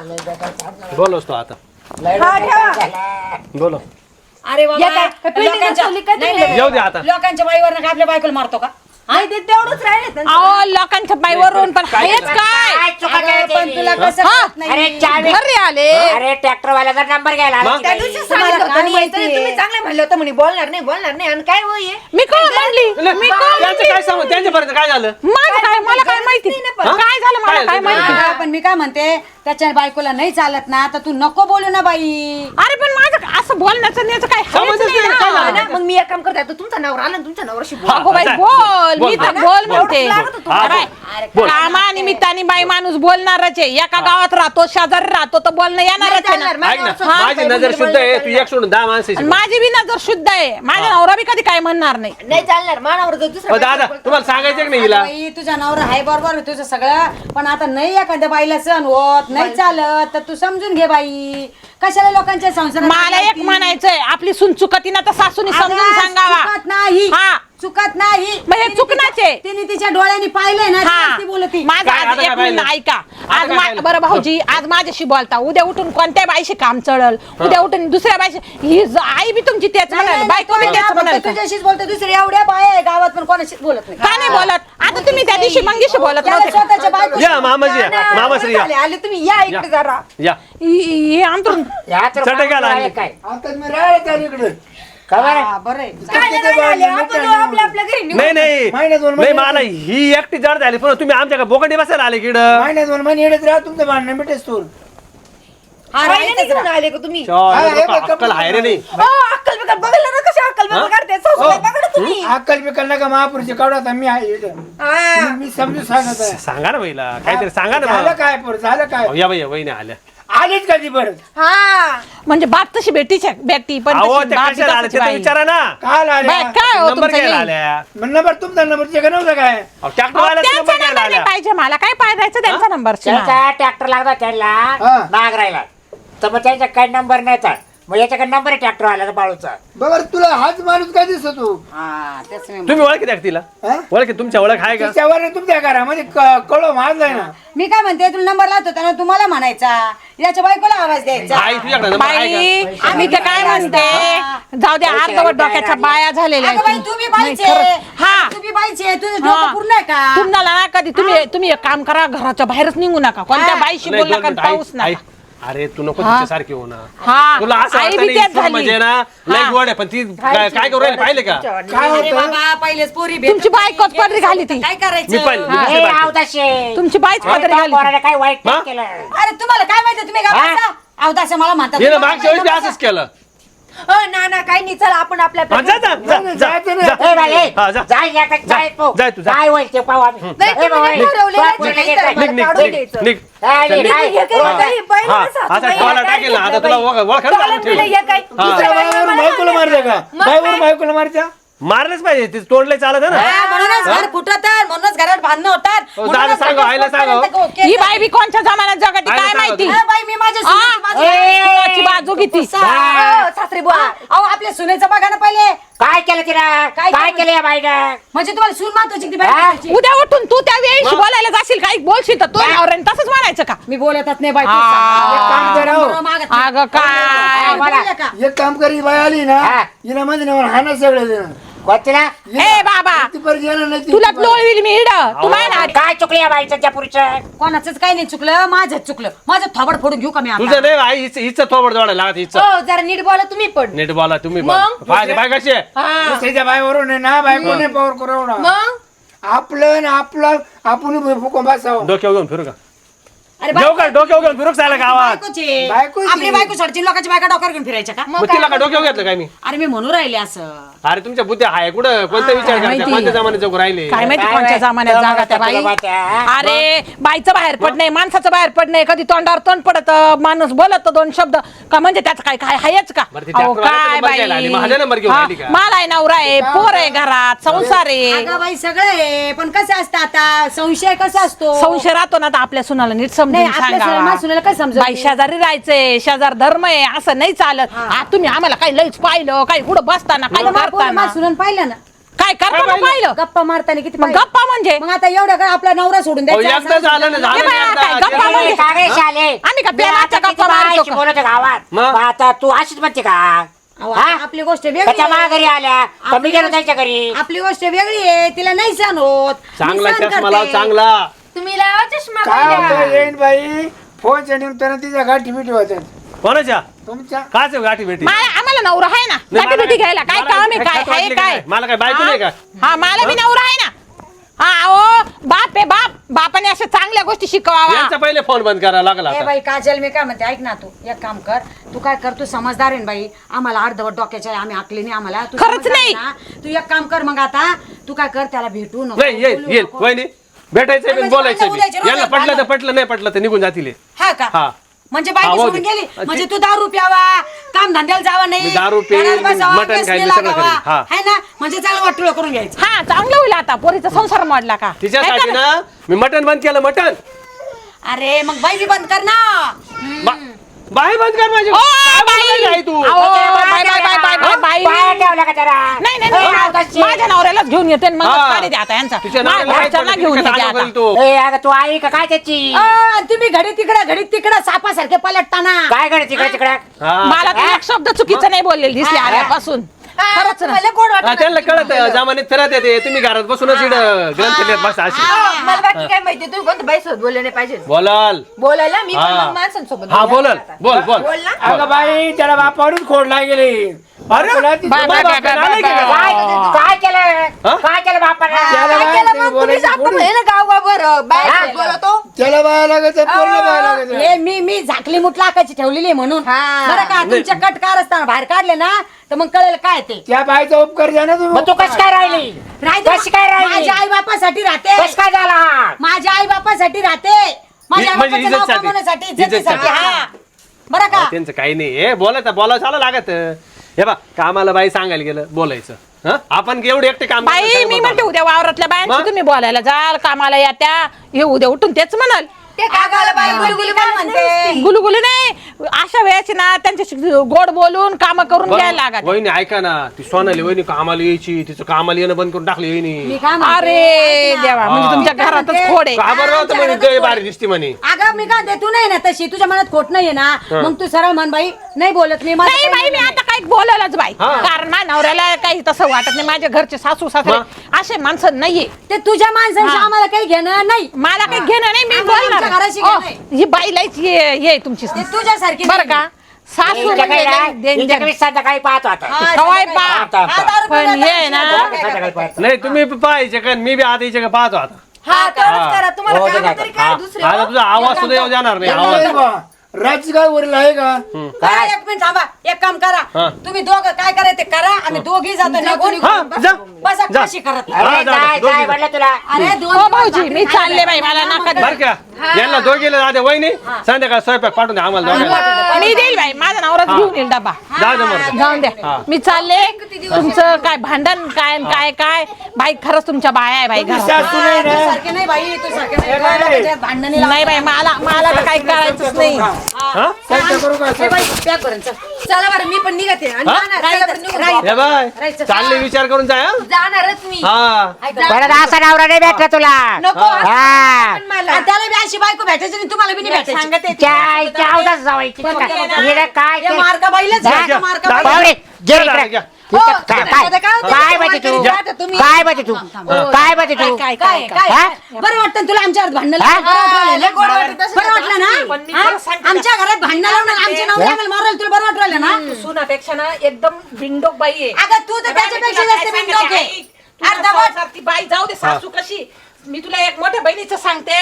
[SPEAKER 3] हा
[SPEAKER 1] बोलोस तो आता
[SPEAKER 3] हा ठेवा
[SPEAKER 1] बोलो
[SPEAKER 4] अरे बाबा
[SPEAKER 3] या काय? काय पिंडी
[SPEAKER 4] लोकांच्या
[SPEAKER 3] नसवली काय
[SPEAKER 4] नाही,
[SPEAKER 3] तुम्ही?
[SPEAKER 4] नाही,
[SPEAKER 1] येऊ दे आता.
[SPEAKER 4] लोकांच्या बाईवर काय आपल्या बायकोला मारतो का
[SPEAKER 3] नाही ते तेवढंच राहिले त्यांचं.
[SPEAKER 2] अहो लोकांच्या बाईवरून पण
[SPEAKER 1] काय
[SPEAKER 2] हेच
[SPEAKER 1] केलं?
[SPEAKER 2] काय
[SPEAKER 5] काय चुका
[SPEAKER 4] अगं,
[SPEAKER 5] केल्या
[SPEAKER 4] पण तुला
[SPEAKER 5] त्यांनी?
[SPEAKER 4] कसं
[SPEAKER 2] हा?
[SPEAKER 4] कळत नाही?
[SPEAKER 5] अरे चावी
[SPEAKER 2] घरी आले
[SPEAKER 5] अरे ट्रॅक्टर वाल्याचा नंबर घ्यायला आला
[SPEAKER 1] मग?
[SPEAKER 5] ती
[SPEAKER 3] त्या
[SPEAKER 5] बाई.
[SPEAKER 3] दिवशी
[SPEAKER 4] तुम्हाला
[SPEAKER 3] सांगितलं होतं
[SPEAKER 4] काय
[SPEAKER 3] आणि
[SPEAKER 4] माहिती?
[SPEAKER 3] यायचं तुम्ही चांगलं म्हणलं होतं म्हणे बोलणार नाही आणि काय होय हे?
[SPEAKER 2] मी कोण म्हणली मी कोण
[SPEAKER 1] त्यांचं काय सांगू त्यांच्यापर्यंत काय झालं
[SPEAKER 2] माझं काय मला काय माहिती
[SPEAKER 3] नाही ना पण.
[SPEAKER 2] काय झालं मला
[SPEAKER 1] काय
[SPEAKER 2] काय
[SPEAKER 1] झालं?
[SPEAKER 2] माहिती
[SPEAKER 4] हा, पण मी काय म्हणते त्याच्या बायकोला नाही चालत ना तर तू नको बोलू ना बाई
[SPEAKER 2] अरे पण माझं असं बोलण्याचं न्याचं काय हेच
[SPEAKER 1] समजच
[SPEAKER 2] नाही
[SPEAKER 1] नाही,
[SPEAKER 2] ना.
[SPEAKER 1] काय
[SPEAKER 3] हा
[SPEAKER 1] झालं?
[SPEAKER 3] ना, मग मी एक काम करते आता तुमचा नवरा आला ना तुमच्या नवऱ्याशी बोल.
[SPEAKER 1] हा.
[SPEAKER 2] अगो बाई
[SPEAKER 1] जा.
[SPEAKER 2] बोल
[SPEAKER 1] बोल,
[SPEAKER 2] मी तर
[SPEAKER 1] बोल.
[SPEAKER 2] बोल म्हणते
[SPEAKER 3] एवढंच लागत होतं
[SPEAKER 1] हा,
[SPEAKER 2] बाय.
[SPEAKER 1] बोल.
[SPEAKER 2] कामानिमित्ताने बाई माणूस बोलणारच आहे एका गावात राहतो शेजारी राहतो तर बोलणं येणारच आहे ना
[SPEAKER 3] चालणार.
[SPEAKER 1] ऐक ना
[SPEAKER 3] हा,
[SPEAKER 1] माझी नजर शुद्ध आहे तू एक सोडून 10 माणसाची
[SPEAKER 2] आणि माझी बी नजर शुद्ध आहे माझ्या नवरा बी कधी काय म्हणणार नाही
[SPEAKER 3] नाही चालणार मानावर जर दुसरा
[SPEAKER 1] दादा तुम्हाला सांगायचं की नाही हिला
[SPEAKER 4] बाई तुझ्या नवरा आहे बरोबर आहे तुझं सगळं पण आता नाही एखाद्या बाईला सण होत नाही चालत तर तू समजून घे बाई कशाला लोकांच्या संसारात
[SPEAKER 2] मला एक म्हणायचंय आपली सून चुकती ना तर सासूनी समजून सांगावा
[SPEAKER 4] चुकत नाही
[SPEAKER 2] हा.
[SPEAKER 4] चुकत नाही
[SPEAKER 2] मग हे चुकण्याचे.
[SPEAKER 4] तिने तिच्या डोळ्याने पाहिलंय ना
[SPEAKER 2] हा.
[SPEAKER 4] ती बोलती
[SPEAKER 2] माझं
[SPEAKER 1] काय,
[SPEAKER 2] आज
[SPEAKER 1] आता
[SPEAKER 2] एक
[SPEAKER 1] काय
[SPEAKER 2] मिनिट
[SPEAKER 1] पाहिलं?
[SPEAKER 2] ऐका
[SPEAKER 1] आता
[SPEAKER 2] आज
[SPEAKER 1] काय पाहिलं?
[SPEAKER 2] बरं भाऊजी आज माझ्याशी बोलता उद्या उठून कोणत्या बाईशी काम चढल उद्या उठून दुसऱ्या बाईशी ही आई बी तुमची तेच म्हणाल बायको बी तेच म्हणाल का?
[SPEAKER 4] तुझ्याशीच बोलते दुसरी एवढ्या बाया आहे गावात पण कोणाशीच बोलत नाही
[SPEAKER 2] का नाही बोलत आता तुम्ही त्या दिवशी मंगीशी बोलत
[SPEAKER 4] त्याला
[SPEAKER 2] नव्हते का?
[SPEAKER 4] स्वतःच्या बायको
[SPEAKER 1] या मामाजी या मामाश्री या
[SPEAKER 3] आले तुम्ही या इकडे जरा
[SPEAKER 1] या
[SPEAKER 2] हे अंतरून
[SPEAKER 5] या तर
[SPEAKER 1] चटई घाला
[SPEAKER 5] आहे
[SPEAKER 1] आणि.
[SPEAKER 5] काय
[SPEAKER 6] आता मी राहिलं त्या इकडे
[SPEAKER 5] खबर
[SPEAKER 4] हा, बरं आहे.
[SPEAKER 3] काय नाही राहिले आले आपण आपल्या आपल्या घरी निघू.
[SPEAKER 1] नाही नाही
[SPEAKER 6] महिन्यात दोन
[SPEAKER 1] नाही
[SPEAKER 6] महिने
[SPEAKER 1] मला ही एकटी जड झाली पण तुम्ही आमच्या बोकडी बसायला आले किड
[SPEAKER 6] महिन्यात 2 महिने येडत राहा तुमचं भांडण मिटेस तू
[SPEAKER 4] हा,
[SPEAKER 3] राहिले
[SPEAKER 4] राहायचंच
[SPEAKER 3] घेऊन आले का तुम्ही
[SPEAKER 1] अक्कल आहे रे नाही
[SPEAKER 3] हो अक्कल बिकल बघलं ना कशी अक्कल बिकल काढते सासूबाई बघा तुम्ही
[SPEAKER 6] अक्कल बिकल नका महापुरुषी काढू आता मी आहे इथं.
[SPEAKER 3] हा.
[SPEAKER 6] मी समजून सांगत आहे.
[SPEAKER 1] सांगा ना पहिला काहीतरी सांगा ना
[SPEAKER 6] झालं
[SPEAKER 1] मला.
[SPEAKER 6] काय पोर झालं काय
[SPEAKER 1] अहो, या बाई वहिनी आल्या
[SPEAKER 6] आलीच कधी परत
[SPEAKER 3] हा
[SPEAKER 2] म्हणजे बाप तशी भेटी पण
[SPEAKER 1] अहो
[SPEAKER 2] तशी
[SPEAKER 1] ते
[SPEAKER 2] बाप बी
[SPEAKER 1] कशाला आले
[SPEAKER 2] तशीच
[SPEAKER 1] ते तर
[SPEAKER 2] बाई.
[SPEAKER 1] विचारा ना
[SPEAKER 6] काल
[SPEAKER 2] बाई,
[SPEAKER 6] आल्या
[SPEAKER 2] काय हो
[SPEAKER 1] नंबर
[SPEAKER 2] तुमचं
[SPEAKER 1] घ्यायला
[SPEAKER 2] हे?
[SPEAKER 1] आल्या
[SPEAKER 6] नंबर तुमचा नंबर चेक नव्हता काय
[SPEAKER 1] अहो, ट्रॅक्टर
[SPEAKER 2] अहो,
[SPEAKER 1] वाल्याचा
[SPEAKER 2] त्यांचा
[SPEAKER 1] नंबर घ्यायला
[SPEAKER 2] नंबर नाही
[SPEAKER 1] आल्या
[SPEAKER 2] पाहिजे मला काय पाहिजे त्यांचा नंबर
[SPEAKER 5] त्यांचा ट्रॅक्टर लागला त्याला
[SPEAKER 6] हा.
[SPEAKER 5] नागरायला तर मग त्यांचा काही नंबर नाही तर मग याच्याकडे नंबर आहे ट्रॅक्टर वाल्याचा बाळूचा
[SPEAKER 6] बरोबर तुला हाच माणूस काय दिसतो तू
[SPEAKER 4] हा, तेच मी
[SPEAKER 1] तुम्ही ओळखी द्या तिला
[SPEAKER 6] हा?
[SPEAKER 1] ओळखी तुमच्या ओळख आहे का
[SPEAKER 6] तिच्यावर तुमच्या घरामध्ये कळो मारलाय ना
[SPEAKER 4] मी काय म्हणते तुला नंबर लावतो त्याला तुम्हाला म्हणायचा याच्या बायकोला आवाज द्यायचा
[SPEAKER 1] आई तुझ्याकडे नंबर आहे
[SPEAKER 2] बाई
[SPEAKER 1] का
[SPEAKER 2] आम्ही तर काय म्हणते जाऊ द्या अर्धवट डोक्याच्या बाया झालेल्या
[SPEAKER 4] अगं बाई
[SPEAKER 2] आहेत.
[SPEAKER 4] तू बी
[SPEAKER 2] नाही,
[SPEAKER 4] बाईचे
[SPEAKER 2] खरंच. हा
[SPEAKER 4] तू बी बाईचे तुझं
[SPEAKER 2] हा.
[SPEAKER 4] डोकं पूर्ण आहे का
[SPEAKER 2] तुम्हाला ना कधी तुम्ही एक काम करा घराच्या बाहेरच निघू नका कोणत्या बाईशी
[SPEAKER 1] नाही,
[SPEAKER 2] बोलला
[SPEAKER 1] दोन
[SPEAKER 2] का
[SPEAKER 1] मिनिटं,
[SPEAKER 2] पाऊस
[SPEAKER 1] आई,
[SPEAKER 2] नका
[SPEAKER 1] अरे तू नको तिच्यासारखी हो ना
[SPEAKER 2] हा
[SPEAKER 1] तुला असं
[SPEAKER 2] आई
[SPEAKER 1] वाटतं
[SPEAKER 2] बी
[SPEAKER 1] नाही,
[SPEAKER 2] तेच
[SPEAKER 1] सून
[SPEAKER 2] झाली
[SPEAKER 1] म्हणजे ना लय गोड आहे पण ती काय करू राहिली पाहिले का
[SPEAKER 6] काय
[SPEAKER 4] अरे
[SPEAKER 6] होतं
[SPEAKER 4] बाबा पहिलेच पोरी
[SPEAKER 2] तुमची बायकोच पदरी घाली ती
[SPEAKER 4] काय
[SPEAKER 1] मी
[SPEAKER 4] करायचं
[SPEAKER 1] पण
[SPEAKER 5] ए, अवदाशे.
[SPEAKER 2] तुमची बाईच
[SPEAKER 5] अरे,
[SPEAKER 2] पदरी
[SPEAKER 5] त्या
[SPEAKER 2] घाली
[SPEAKER 5] पोराने काय वाईट नाही
[SPEAKER 1] हा?
[SPEAKER 5] केलं
[SPEAKER 4] अरे तुम्हाला काय माहिती तुम्ही
[SPEAKER 5] हा?
[SPEAKER 4] काय अवदास मला म्हणतात
[SPEAKER 1] हिनं मागच्या वेळेस बी असंच केलं
[SPEAKER 3] ना काही नाही चला आपण आपल्या
[SPEAKER 1] हा, जा, जा, जा, जा,
[SPEAKER 6] जायचं नाही.
[SPEAKER 1] जा.
[SPEAKER 5] ए बाई, ए,
[SPEAKER 1] हा, जा.
[SPEAKER 5] जाय या का, जाय तू.
[SPEAKER 1] जाय तू, जा.
[SPEAKER 5] काय होईल ते पाहू आम्ही.
[SPEAKER 3] नाही,
[SPEAKER 5] ए
[SPEAKER 3] तुम्ही
[SPEAKER 5] बाई,
[SPEAKER 3] नाही ठरवलेलं आहे,
[SPEAKER 5] तू
[SPEAKER 3] नाही
[SPEAKER 5] पोरगी
[SPEAKER 3] तर
[SPEAKER 5] काय?
[SPEAKER 1] निघ निघ
[SPEAKER 3] काढून
[SPEAKER 1] निघ
[SPEAKER 3] द्यायचं.
[SPEAKER 1] निघ
[SPEAKER 5] काय
[SPEAKER 1] चल,
[SPEAKER 5] नाही,
[SPEAKER 1] निघ.
[SPEAKER 5] काय?
[SPEAKER 3] हे काही
[SPEAKER 1] हा.
[SPEAKER 3] काही पहिलं
[SPEAKER 1] हा,
[SPEAKER 3] कसं
[SPEAKER 1] आता
[SPEAKER 3] असतं,
[SPEAKER 1] कॉला
[SPEAKER 3] बाई,
[SPEAKER 1] टाकेल ना
[SPEAKER 3] काय
[SPEAKER 1] आता तुला
[SPEAKER 3] घेतलं
[SPEAKER 1] ओळखायला
[SPEAKER 3] बाई?
[SPEAKER 1] लावून ठेव.
[SPEAKER 3] हे काय?
[SPEAKER 1] हा.
[SPEAKER 3] दुसऱ्या
[SPEAKER 6] दुसऱ्या बायावर
[SPEAKER 3] बायावर
[SPEAKER 6] बायकोला
[SPEAKER 3] मला
[SPEAKER 6] मारते का
[SPEAKER 3] मग
[SPEAKER 6] बायवर
[SPEAKER 3] काय?
[SPEAKER 6] बायकोला मारत्या
[SPEAKER 1] मारलंच पाहिजे ते तोडले चालत ना
[SPEAKER 4] हा, म्हणूनच घर फुटत म्हणूनच घरात भांडणं होतात
[SPEAKER 1] हो, दादा सांगू, आईला सांगू.
[SPEAKER 2] ही बाई बी कोणच्या जमान्यात जगाटी
[SPEAKER 1] आईला
[SPEAKER 2] काय
[SPEAKER 1] सांगा
[SPEAKER 2] माहिती
[SPEAKER 1] तू.
[SPEAKER 4] बाई मी माझ्या
[SPEAKER 2] हा?
[SPEAKER 4] सुनेची बाजू-
[SPEAKER 2] सुनाची बाजू किती
[SPEAKER 3] हो, सासरे बुवा
[SPEAKER 4] अहो आपल्या सुनेचं बघा ना पहिले
[SPEAKER 5] काय केलं तिला
[SPEAKER 4] काय
[SPEAKER 5] काय
[SPEAKER 4] केलं?
[SPEAKER 5] केलं या बाईनं
[SPEAKER 4] म्हणजे तुम्हाला सून महत्वाची की बाई
[SPEAKER 5] हा?
[SPEAKER 4] महत्वाची?
[SPEAKER 2] उद्या उठून तू त्या वेळेशी बोलायला जाशील काही बोलशील तर तू नवऱ्याने तसंच म्हणायचं का
[SPEAKER 4] मी बोलतच नाही बाई
[SPEAKER 6] एक काम करा हो.
[SPEAKER 2] अगं काय
[SPEAKER 5] मला.
[SPEAKER 4] का
[SPEAKER 6] एक काम कर ही बाई आली ना
[SPEAKER 5] हा.
[SPEAKER 6] हिला मध्ये ना हाना सगळे जण
[SPEAKER 5] कोणतीला
[SPEAKER 2] ए बाबा
[SPEAKER 6] ती परत येणार नाही ती.
[SPEAKER 2] तुला लोळविल मी इड तू ना
[SPEAKER 5] काय चुकली या बाईचं त्या पुरुषाचं
[SPEAKER 4] कोणाचंच काही नाही चुकलं माझंच चुकलं माझं थोबड फोडून घेऊ का मी आता
[SPEAKER 1] तुझं नाही आई हिचं थोबड जोडायला लागत हिचं
[SPEAKER 3] हो जरा नीट बोला तुम्ही पण
[SPEAKER 1] नीट बोला तुम्ही
[SPEAKER 3] मग?
[SPEAKER 1] बाय कशी आहे
[SPEAKER 6] दुसऱ्याच्या बाईवरून आहे ना बायको नाही पावर करू
[SPEAKER 3] मग
[SPEAKER 6] आपलं ना आपलं आपण फुकून बसावं
[SPEAKER 1] डोक्यावर घेऊन फिरू का
[SPEAKER 4] अरे
[SPEAKER 1] डोक्यावर घेऊन फिरू चालला गावात
[SPEAKER 4] बायकोचे
[SPEAKER 6] बायकोची.
[SPEAKER 4] आपली बायको सोडची लोकांची बायका डोक्यावर घेऊन फिरायच्या का
[SPEAKER 1] मग तिला का डोक्यावर घेतलं काय मी
[SPEAKER 4] अरे मी म्हणू राहिले असं
[SPEAKER 1] अरे तुमच्या बुद्धी आहे कुठं कोणता विचार करता
[SPEAKER 2] माहिती.
[SPEAKER 1] कोणत्या जमान्यात जगू राहिले
[SPEAKER 2] काय माहिती
[SPEAKER 5] काय
[SPEAKER 2] कोणत्या
[SPEAKER 5] बाई?
[SPEAKER 2] जमान्यात जागा त्या बाई
[SPEAKER 5] तुला माहिती आहे?
[SPEAKER 2] अरे बाईचं बाहेर पड नाही माणसाचं बाहेर पड नाही कधी तोंडावर तोंड पडत माणूस बोलत दोन शब्द का म्हणजे त्याचं काय काय हायच का
[SPEAKER 1] बरं, ती
[SPEAKER 2] अहो,
[SPEAKER 1] डॉक्टरवाला
[SPEAKER 2] काय
[SPEAKER 1] नंबर घ्यायला आली,
[SPEAKER 2] बाई
[SPEAKER 1] माझा नंबर घेऊन
[SPEAKER 2] हा,
[SPEAKER 1] आली का?
[SPEAKER 2] मला आहे नवरा आहे पोर आहे घरात संसार आहे
[SPEAKER 4] अगं बाई सगळं आहे पण कसं असतं आता संशय कसा असतो
[SPEAKER 2] संशय राहतो ना तर आपल्या सुनाला नीट
[SPEAKER 4] नाही
[SPEAKER 2] समजून
[SPEAKER 4] आपल्या
[SPEAKER 2] सांगा
[SPEAKER 4] माझ्या सुनेला काय समजत
[SPEAKER 2] बाई शेजारी राहायचंय शेजार धर्म आहे असं नाही चालत तुम्ही आम्हाला काही लईच पाहिलं काही कुठं बसताना काही करताना
[SPEAKER 4] माझ्या सुनेला पाहिलं ना
[SPEAKER 2] काय करताना पाहिलं
[SPEAKER 4] गप्पा मारताना किती
[SPEAKER 2] मग
[SPEAKER 4] पाहिलं?
[SPEAKER 2] गप्पा म्हणजे
[SPEAKER 4] मग आता एवढं काय आपला नवरा सोडून
[SPEAKER 1] अहो,
[SPEAKER 4] द्यायचा
[SPEAKER 1] एकदा झालं ना
[SPEAKER 2] हे
[SPEAKER 1] झालं
[SPEAKER 2] बाई,
[SPEAKER 1] ना
[SPEAKER 2] काय
[SPEAKER 1] एकदा.
[SPEAKER 2] गप्पा
[SPEAKER 1] ते-
[SPEAKER 2] म्हणजे?
[SPEAKER 5] काय रे शाले?
[SPEAKER 2] आम्ही का
[SPEAKER 5] मी
[SPEAKER 2] प्रेमाच्या
[SPEAKER 5] आता
[SPEAKER 2] गप्पा
[SPEAKER 5] किती
[SPEAKER 2] मारतो
[SPEAKER 5] बाईशी
[SPEAKER 2] का?
[SPEAKER 5] बोलतो गावात
[SPEAKER 1] मग?
[SPEAKER 5] मग आता तू अशीच म्हणते का
[SPEAKER 4] अहो,
[SPEAKER 5] हा?
[SPEAKER 4] आता आपली गोष्ट वेगळी
[SPEAKER 5] त्याच्या
[SPEAKER 4] आहे.
[SPEAKER 5] माघारी आल्या कमी
[SPEAKER 4] आपली
[SPEAKER 5] गेलो
[SPEAKER 4] गोष्ट-
[SPEAKER 5] त्यांच्या घरी
[SPEAKER 4] आपली गोष्ट वेगळी आहे तिला नाही सण होत मी
[SPEAKER 1] चांगला
[SPEAKER 4] सहन
[SPEAKER 1] चष्मा
[SPEAKER 4] करते.
[SPEAKER 1] लाव चांगला
[SPEAKER 3] तुम्ही लावा चष्मा
[SPEAKER 6] काय
[SPEAKER 3] पहिला.
[SPEAKER 6] होतं येईन बाई फोनच्या निमित्तानं तिच्या गाठी बिठी होतात
[SPEAKER 1] कोणाच्या
[SPEAKER 6] तुमच्या
[SPEAKER 1] काच गाठी भेटी
[SPEAKER 2] आम्हाला नवरा आहे ना
[SPEAKER 1] नाही,
[SPEAKER 2] गाठी
[SPEAKER 1] मला
[SPEAKER 2] बिठी घ्यायला काय
[SPEAKER 1] मला
[SPEAKER 2] काम आहे काय
[SPEAKER 1] खात
[SPEAKER 2] आहे
[SPEAKER 1] वाटली का
[SPEAKER 2] काय
[SPEAKER 1] नाही? मला काय बायको नाही का?
[SPEAKER 2] हा मला बी नवरा आहे ना हा अहो बाप आहे बाप बापाने अशा चांगल्या गोष्टी शिकवावा
[SPEAKER 1] यांचा पहिले फोन बंद करायला लागला
[SPEAKER 4] ए
[SPEAKER 1] आता.
[SPEAKER 4] बाई काजल मी काय म्हणते ऐक ना तू एक काम कर तू काय कर तू समजदार आहे ना बाई आम्हाला अर्धवट डोक्याच्या आहे, आम्ही आकली नाही आम्हाला तू
[SPEAKER 2] खरंच
[SPEAKER 4] समजदार आहे
[SPEAKER 2] नाही.
[SPEAKER 4] ना? तू एक काम कर मग आता तू काय कर त्याला भेटू नको
[SPEAKER 1] नाही येईल
[SPEAKER 4] बोलू
[SPEAKER 1] येईल
[SPEAKER 4] नको.
[SPEAKER 1] वहिनी भेटायचं
[SPEAKER 4] म्हणजे
[SPEAKER 1] बी बोलायचं
[SPEAKER 4] भांडण उद्याचे
[SPEAKER 1] बी
[SPEAKER 4] रोज
[SPEAKER 1] यांना पटलं तर
[SPEAKER 4] भांडण.
[SPEAKER 1] पटलं नाही पटलं तर निघून जातील हे.
[SPEAKER 4] हा का
[SPEAKER 1] हा.
[SPEAKER 4] म्हणजे
[SPEAKER 1] हा,
[SPEAKER 4] बायको
[SPEAKER 1] हो
[SPEAKER 4] सोडून
[SPEAKER 1] दे.
[SPEAKER 4] गेली
[SPEAKER 1] ती-
[SPEAKER 4] म्हणजे तू दारू प्यावा काम धंद्याला जावा नाही
[SPEAKER 1] मी दारू पेन,
[SPEAKER 4] घरात बसावा,
[SPEAKER 1] मटण
[SPEAKER 4] व्यसनी
[SPEAKER 1] खायला सगळं
[SPEAKER 4] लागावा.
[SPEAKER 1] करेन. हा.
[SPEAKER 4] है ना म्हणजे चांगलं वाटलं करून घ्यायचं
[SPEAKER 2] हा चांगलं होईल आता पोरीचा संसार मोडला का
[SPEAKER 1] तिच्यासाठी
[SPEAKER 2] है का
[SPEAKER 1] ना मी मटन बंद केलं मटन
[SPEAKER 4] अरे मग बाई बी बंद कर ना
[SPEAKER 1] बाय बंद कर माझी
[SPEAKER 2] ओ,
[SPEAKER 1] काय
[SPEAKER 2] बाई!
[SPEAKER 1] बोलायला आहे तू
[SPEAKER 2] अहो, bye, bye, bye, bye, bye, bye.
[SPEAKER 5] बाहेर ठेवला का जरा
[SPEAKER 2] नाही नाही
[SPEAKER 5] ए,
[SPEAKER 2] नाही
[SPEAKER 5] अवकाशी.
[SPEAKER 2] माझ्या नवऱ्यालाच घेऊन येते आणि मग
[SPEAKER 1] हा.
[SPEAKER 2] काढी द्या आता यांचा
[SPEAKER 1] तिच्या
[SPEAKER 2] माझ्या
[SPEAKER 1] नवऱ्याला
[SPEAKER 2] घरच्यांना
[SPEAKER 1] काय
[SPEAKER 2] घेऊन
[SPEAKER 1] पडलं,
[SPEAKER 2] येते
[SPEAKER 1] किती
[SPEAKER 2] आता
[SPEAKER 1] करेल तू?
[SPEAKER 5] ए, अगं तू आई का काय त्याची
[SPEAKER 4] तुम्ही घडी तिकडं सापासारखे पलटताना
[SPEAKER 5] काय करे तिकडे तिकडे
[SPEAKER 1] हा.
[SPEAKER 2] मला तर एक शब्द चुकीचं नाही बोललेली दिसली आल्यापासून खरंच ना
[SPEAKER 4] मला गोड वाटत
[SPEAKER 1] हा, त्यांना कळत जमान्यात फिरत येते तुम्ही घरात बसूनच इकडं ग्रंथ लिहित बसा अशी
[SPEAKER 3] हो, मला बाकी काय माहिती तुम्ही कोणत्या बाईसोबत बोलले नाही पाहिजे
[SPEAKER 1] बोलाल
[SPEAKER 3] बोलायला मी पण
[SPEAKER 1] हा.
[SPEAKER 3] मग माणसांसोबत
[SPEAKER 1] हा
[SPEAKER 3] बोलले
[SPEAKER 1] बोलाल
[SPEAKER 3] आता.
[SPEAKER 1] बोल बोल
[SPEAKER 3] बोल ना
[SPEAKER 6] अगं बाई त्याला बापावरच खोड लागेली
[SPEAKER 1] अरे
[SPEAKER 6] तुला ती-
[SPEAKER 2] bye, bye, bye, bye, bye, bye.
[SPEAKER 5] काय केलं
[SPEAKER 1] हा?
[SPEAKER 5] काय केलं बापाला
[SPEAKER 6] त्याला
[SPEAKER 3] काय
[SPEAKER 6] बाय
[SPEAKER 3] केलं
[SPEAKER 6] तुम्ही
[SPEAKER 3] मग तुम्ही
[SPEAKER 6] बोलायची
[SPEAKER 3] आपण
[SPEAKER 6] थोडी.
[SPEAKER 3] हे ना गावावर बाय बोलतो
[SPEAKER 6] त्याला बाया लागत पोरला बाया लागत
[SPEAKER 4] हे मी झाकली मुठ लाखाची ठेवलेली आहे म्हणून
[SPEAKER 3] हा.
[SPEAKER 4] बरं का तुमचे कटकार असताना बाहेर काढले ना तर मग कळेल काय ते
[SPEAKER 6] त्या बाईचा उपकार द्या ना
[SPEAKER 5] मग तू कशी काय राहिली कशी काय राहिली
[SPEAKER 4] माझ्या आई बापासाठी राहते
[SPEAKER 5] कशी काय झाला
[SPEAKER 4] माझ्या आई बापासाठी राहते माझ्या आई
[SPEAKER 1] म्हणजे
[SPEAKER 4] बापाचं नाव
[SPEAKER 1] इज्जतसाठी.
[SPEAKER 4] कमवण्यासाठी
[SPEAKER 1] इज्जतसाठी.
[SPEAKER 4] इज्जतीसाठी हा बरं का
[SPEAKER 1] त्यांचं काही नाही हे बोलायला चालू लागत हे बा कामाला बाई सांगायला गेलं बोलायचं हा आपण एवढे एकटे काम
[SPEAKER 2] बाई
[SPEAKER 1] करायला
[SPEAKER 2] मी
[SPEAKER 1] सांगू
[SPEAKER 2] म्हणते
[SPEAKER 1] नका.
[SPEAKER 2] उद्या वावरातल्या बायांशी
[SPEAKER 1] मग?
[SPEAKER 2] तुम्ही बोलायला जाल कामाला या त्या हे उद्या उठून तेच म्हणाल
[SPEAKER 3] ते काकाला बाय गुलगुली काय म्हणते
[SPEAKER 2] गुलगुली नाही अशा वेळेची ना त्यांच्याशी गोड बोलून काम करून
[SPEAKER 1] बरं,
[SPEAKER 2] घ्यायला लागत
[SPEAKER 1] वहिनी ऐका ना ती सोनाली वहिनी कामाला यायची तिचं कामाला येणं बंद करून टाकली
[SPEAKER 4] मी
[SPEAKER 1] वहिनी
[SPEAKER 4] काय म्हणते,
[SPEAKER 2] अरे देवा म्हणजे
[SPEAKER 1] हा.
[SPEAKER 2] तुमच्या घरातच खोड आहे
[SPEAKER 1] का बरं होतं म्हणे गय बारी दिसती म्हणे
[SPEAKER 4] अगं मी काय म्हणते, तू नाही ना तशी तुझ्या मनात खोट नाहीये ना मग तू सरळ म्हण बाई नाही बोलत मी माझं
[SPEAKER 2] नाही
[SPEAKER 4] काही
[SPEAKER 2] बाई मी
[SPEAKER 4] नाही.
[SPEAKER 2] आता काही बोलायलाच बाई
[SPEAKER 1] हा.
[SPEAKER 2] कारण माझ्या नवऱ्याला काही तसं वाटत नाही माझ्या घरचे सासू सासरे असे माणसं नाहीये
[SPEAKER 4] ते तुझ्या माणसांशी
[SPEAKER 2] हा.
[SPEAKER 4] आम्हाला काही घेणं नाही.
[SPEAKER 2] मला काही घेणं नाही मी
[SPEAKER 4] आम्हाला
[SPEAKER 2] बोलणार
[SPEAKER 4] तुमच्या घराशी
[SPEAKER 2] ओ,
[SPEAKER 4] घेणं आहे.
[SPEAKER 2] ही बाईलाच ये तुमची
[SPEAKER 4] ते तुझ्यासारखी
[SPEAKER 2] बरं का सासू
[SPEAKER 5] हिच्याकडे
[SPEAKER 2] म्हणजे
[SPEAKER 5] नाही,
[SPEAKER 2] danger.
[SPEAKER 5] हिच्याकडे संध्याकाळी पाहतो आता
[SPEAKER 4] हा,
[SPEAKER 2] खवाय
[SPEAKER 4] संध्याकाळी.
[SPEAKER 2] पा
[SPEAKER 5] आता, आता.
[SPEAKER 4] दारू
[SPEAKER 2] पण
[SPEAKER 4] पिऊन
[SPEAKER 2] हे ना
[SPEAKER 5] संध्याकाळी पाहतो.
[SPEAKER 1] नाही तुम्ही पाहायचे का मी बी आता हिच्या पाहतो आता
[SPEAKER 3] हा तेवढंच करा तुम्हाला
[SPEAKER 5] हो,
[SPEAKER 3] कामं
[SPEAKER 5] ते
[SPEAKER 3] तरी
[SPEAKER 5] काय.
[SPEAKER 3] काय दुसरे
[SPEAKER 1] आता तुझा आवाज सुद्धा येऊ जाणार नाही आवाज
[SPEAKER 6] नाही बा. राज्य काय वरील आहे का
[SPEAKER 4] काय एक मिनिट थांबा एक काम
[SPEAKER 1] हा.
[SPEAKER 4] करा तुम्ही दोघं काय करायचं ते करा आम्ही दोघी जातो निघून.
[SPEAKER 1] हा, जा.
[SPEAKER 4] बसा
[SPEAKER 1] जा.
[SPEAKER 4] कशी करत
[SPEAKER 1] हा,
[SPEAKER 5] अरे,
[SPEAKER 1] जा,
[SPEAKER 5] जाय,
[SPEAKER 1] दोघी
[SPEAKER 5] जाय
[SPEAKER 1] जा.
[SPEAKER 5] म्हटलं तुला.
[SPEAKER 4] अरे दोन
[SPEAKER 2] हो भाऊजी मी चालले बाई मला नका
[SPEAKER 1] बर का यांना दोघीला जाते वहिनी संध्याकाळ स्वयंपाक पाठवून द्या आम्हाला दोघांना.
[SPEAKER 2] मी देईल बाई माझा नवराच घेऊन येईल डबा
[SPEAKER 1] जाऊ दे मग
[SPEAKER 2] जाऊन द्या मी चालले तुमचं काय भांडण काय काय काय बाई खरंच तुमच्या बाया आहे बाई घरात
[SPEAKER 6] सासू नाही
[SPEAKER 4] तू
[SPEAKER 6] ना
[SPEAKER 4] सारखे नाही बाई तू सारखे नाही त्याच्यात भांडणं नाही
[SPEAKER 2] नाही बाई मला तर काही करायचंच नाही
[SPEAKER 1] हा?
[SPEAKER 6] सारखं करू का
[SPEAKER 4] लावायचं. ए बाई, पॅक करून चल.
[SPEAKER 3] चला बरं मी पण निघते आणि
[SPEAKER 1] हा?
[SPEAKER 3] जाणार चला बरं निघून.
[SPEAKER 4] राहायचं.
[SPEAKER 1] या बाय
[SPEAKER 4] राहायचं.
[SPEAKER 1] चालले विचार करून जाय हा?
[SPEAKER 3] जाणारच मी
[SPEAKER 1] हा
[SPEAKER 5] परत असा नवरा नाही भेटला तुला
[SPEAKER 3] नको असं
[SPEAKER 5] हा.
[SPEAKER 3] पण मला
[SPEAKER 4] आणि त्याला बी अशी बायको भेटायची नाही तुम्हाला बी नाही भेटायची
[SPEAKER 2] सांगते
[SPEAKER 5] त्या अवदास जावायची हिला काय
[SPEAKER 4] हे मार्ग बाईलाच
[SPEAKER 1] जा,
[SPEAKER 4] घ्यायचं,
[SPEAKER 1] जा.
[SPEAKER 4] मार्ग
[SPEAKER 1] जा.
[SPEAKER 4] बाई.
[SPEAKER 5] पाहुणे, जे
[SPEAKER 1] जा,
[SPEAKER 5] इकडे.
[SPEAKER 1] जा.
[SPEAKER 5] इथं काय काय माहिती तू
[SPEAKER 3] तुम्ही
[SPEAKER 5] काय माहिती तू काय माहिती तू
[SPEAKER 4] काय काय काय
[SPEAKER 5] हा?
[SPEAKER 4] बरं वाटतं ना तुला आमच्यावर भांडण
[SPEAKER 5] हा?
[SPEAKER 3] गोड वाटत असेल
[SPEAKER 4] बरं वाटलं ना
[SPEAKER 2] पण मी
[SPEAKER 4] हा?
[SPEAKER 2] खरं सांगते
[SPEAKER 4] आमच्या घरात भांडण लावून आमच्या नवऱ्या आम्हाला मारायला तुला बरं वाटलं ना
[SPEAKER 2] सुनापेक्षा ना एकदम बिंडोक बाई आहे
[SPEAKER 4] अगं तू तर त्याच्यापेक्षा जास्त बिनडोक आहे अर्धवट.
[SPEAKER 2] ती बाई जाऊ दे सासू कशी मी तुला एक मोठ्या बहिणीचं सांगते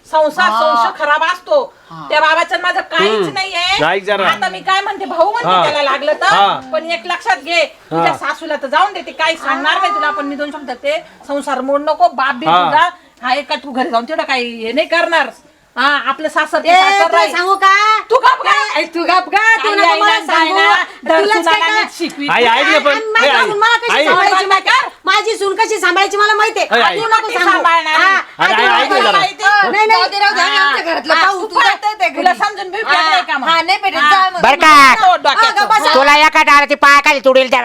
[SPEAKER 2] संसार खराब असतो त्या बाबाचं माझं काहीच नाहीये
[SPEAKER 1] ऐक जरा.
[SPEAKER 2] आता मी काय म्हणते भाऊ
[SPEAKER 1] हा.
[SPEAKER 2] म्हणते त्याला लागलं
[SPEAKER 1] हा.
[SPEAKER 2] तर पण एक लक्षात घे तुझ्या सासूला तर जाऊन देते काही सांगणार नाही तुला पण मी दोन शब्द ते संसार मोड नको बाप बी
[SPEAKER 1] हा.
[SPEAKER 2] तुझा हा एका तू घरी जाऊन तेवढं काही हे नाही करणार हा आपलं सासर ते
[SPEAKER 4] ए,
[SPEAKER 2] सासर
[SPEAKER 4] तुला
[SPEAKER 2] राहील.
[SPEAKER 4] सांगू का
[SPEAKER 2] तू गप गा.
[SPEAKER 4] ए, तू गप गा तू
[SPEAKER 2] आई
[SPEAKER 4] नको
[SPEAKER 2] आईला
[SPEAKER 4] मला सांगू
[SPEAKER 2] जायला,
[SPEAKER 4] तुलाच काय
[SPEAKER 2] सुनाला
[SPEAKER 4] का-
[SPEAKER 2] नीट शिकवी.
[SPEAKER 1] आई ऐक ना पण
[SPEAKER 4] आणि माझी
[SPEAKER 1] ए, आई,
[SPEAKER 4] सून मला कशी
[SPEAKER 1] आई.
[SPEAKER 4] सांभाळायची माहिती आहे? माझी सून कशी सांभाळायची मला माहितीये
[SPEAKER 1] आई, आई.
[SPEAKER 4] तू नको
[SPEAKER 2] ती
[SPEAKER 4] सांगू.
[SPEAKER 2] सांभाळणार.
[SPEAKER 4] हा,
[SPEAKER 1] अरे,
[SPEAKER 4] आई,
[SPEAKER 1] आई, ऐक ना
[SPEAKER 4] तुला
[SPEAKER 1] जरा.
[SPEAKER 4] माहिती आहे? नाही
[SPEAKER 3] जाऊ दे, राहू दे, आम्ही आमच्या घरातलं
[SPEAKER 2] हा,
[SPEAKER 3] पाहू
[SPEAKER 2] तू
[SPEAKER 3] तू जात ते
[SPEAKER 2] तुला
[SPEAKER 3] घरी.
[SPEAKER 2] समजून बी भेटलंय का मग?
[SPEAKER 3] हा नाही भेटत जा मग.
[SPEAKER 5] बर का
[SPEAKER 2] तो डोक्याचं.
[SPEAKER 4] हा, गप्पा
[SPEAKER 5] तुला एका डाळाची पाय खाली तुडेल त्या
[SPEAKER 3] हा,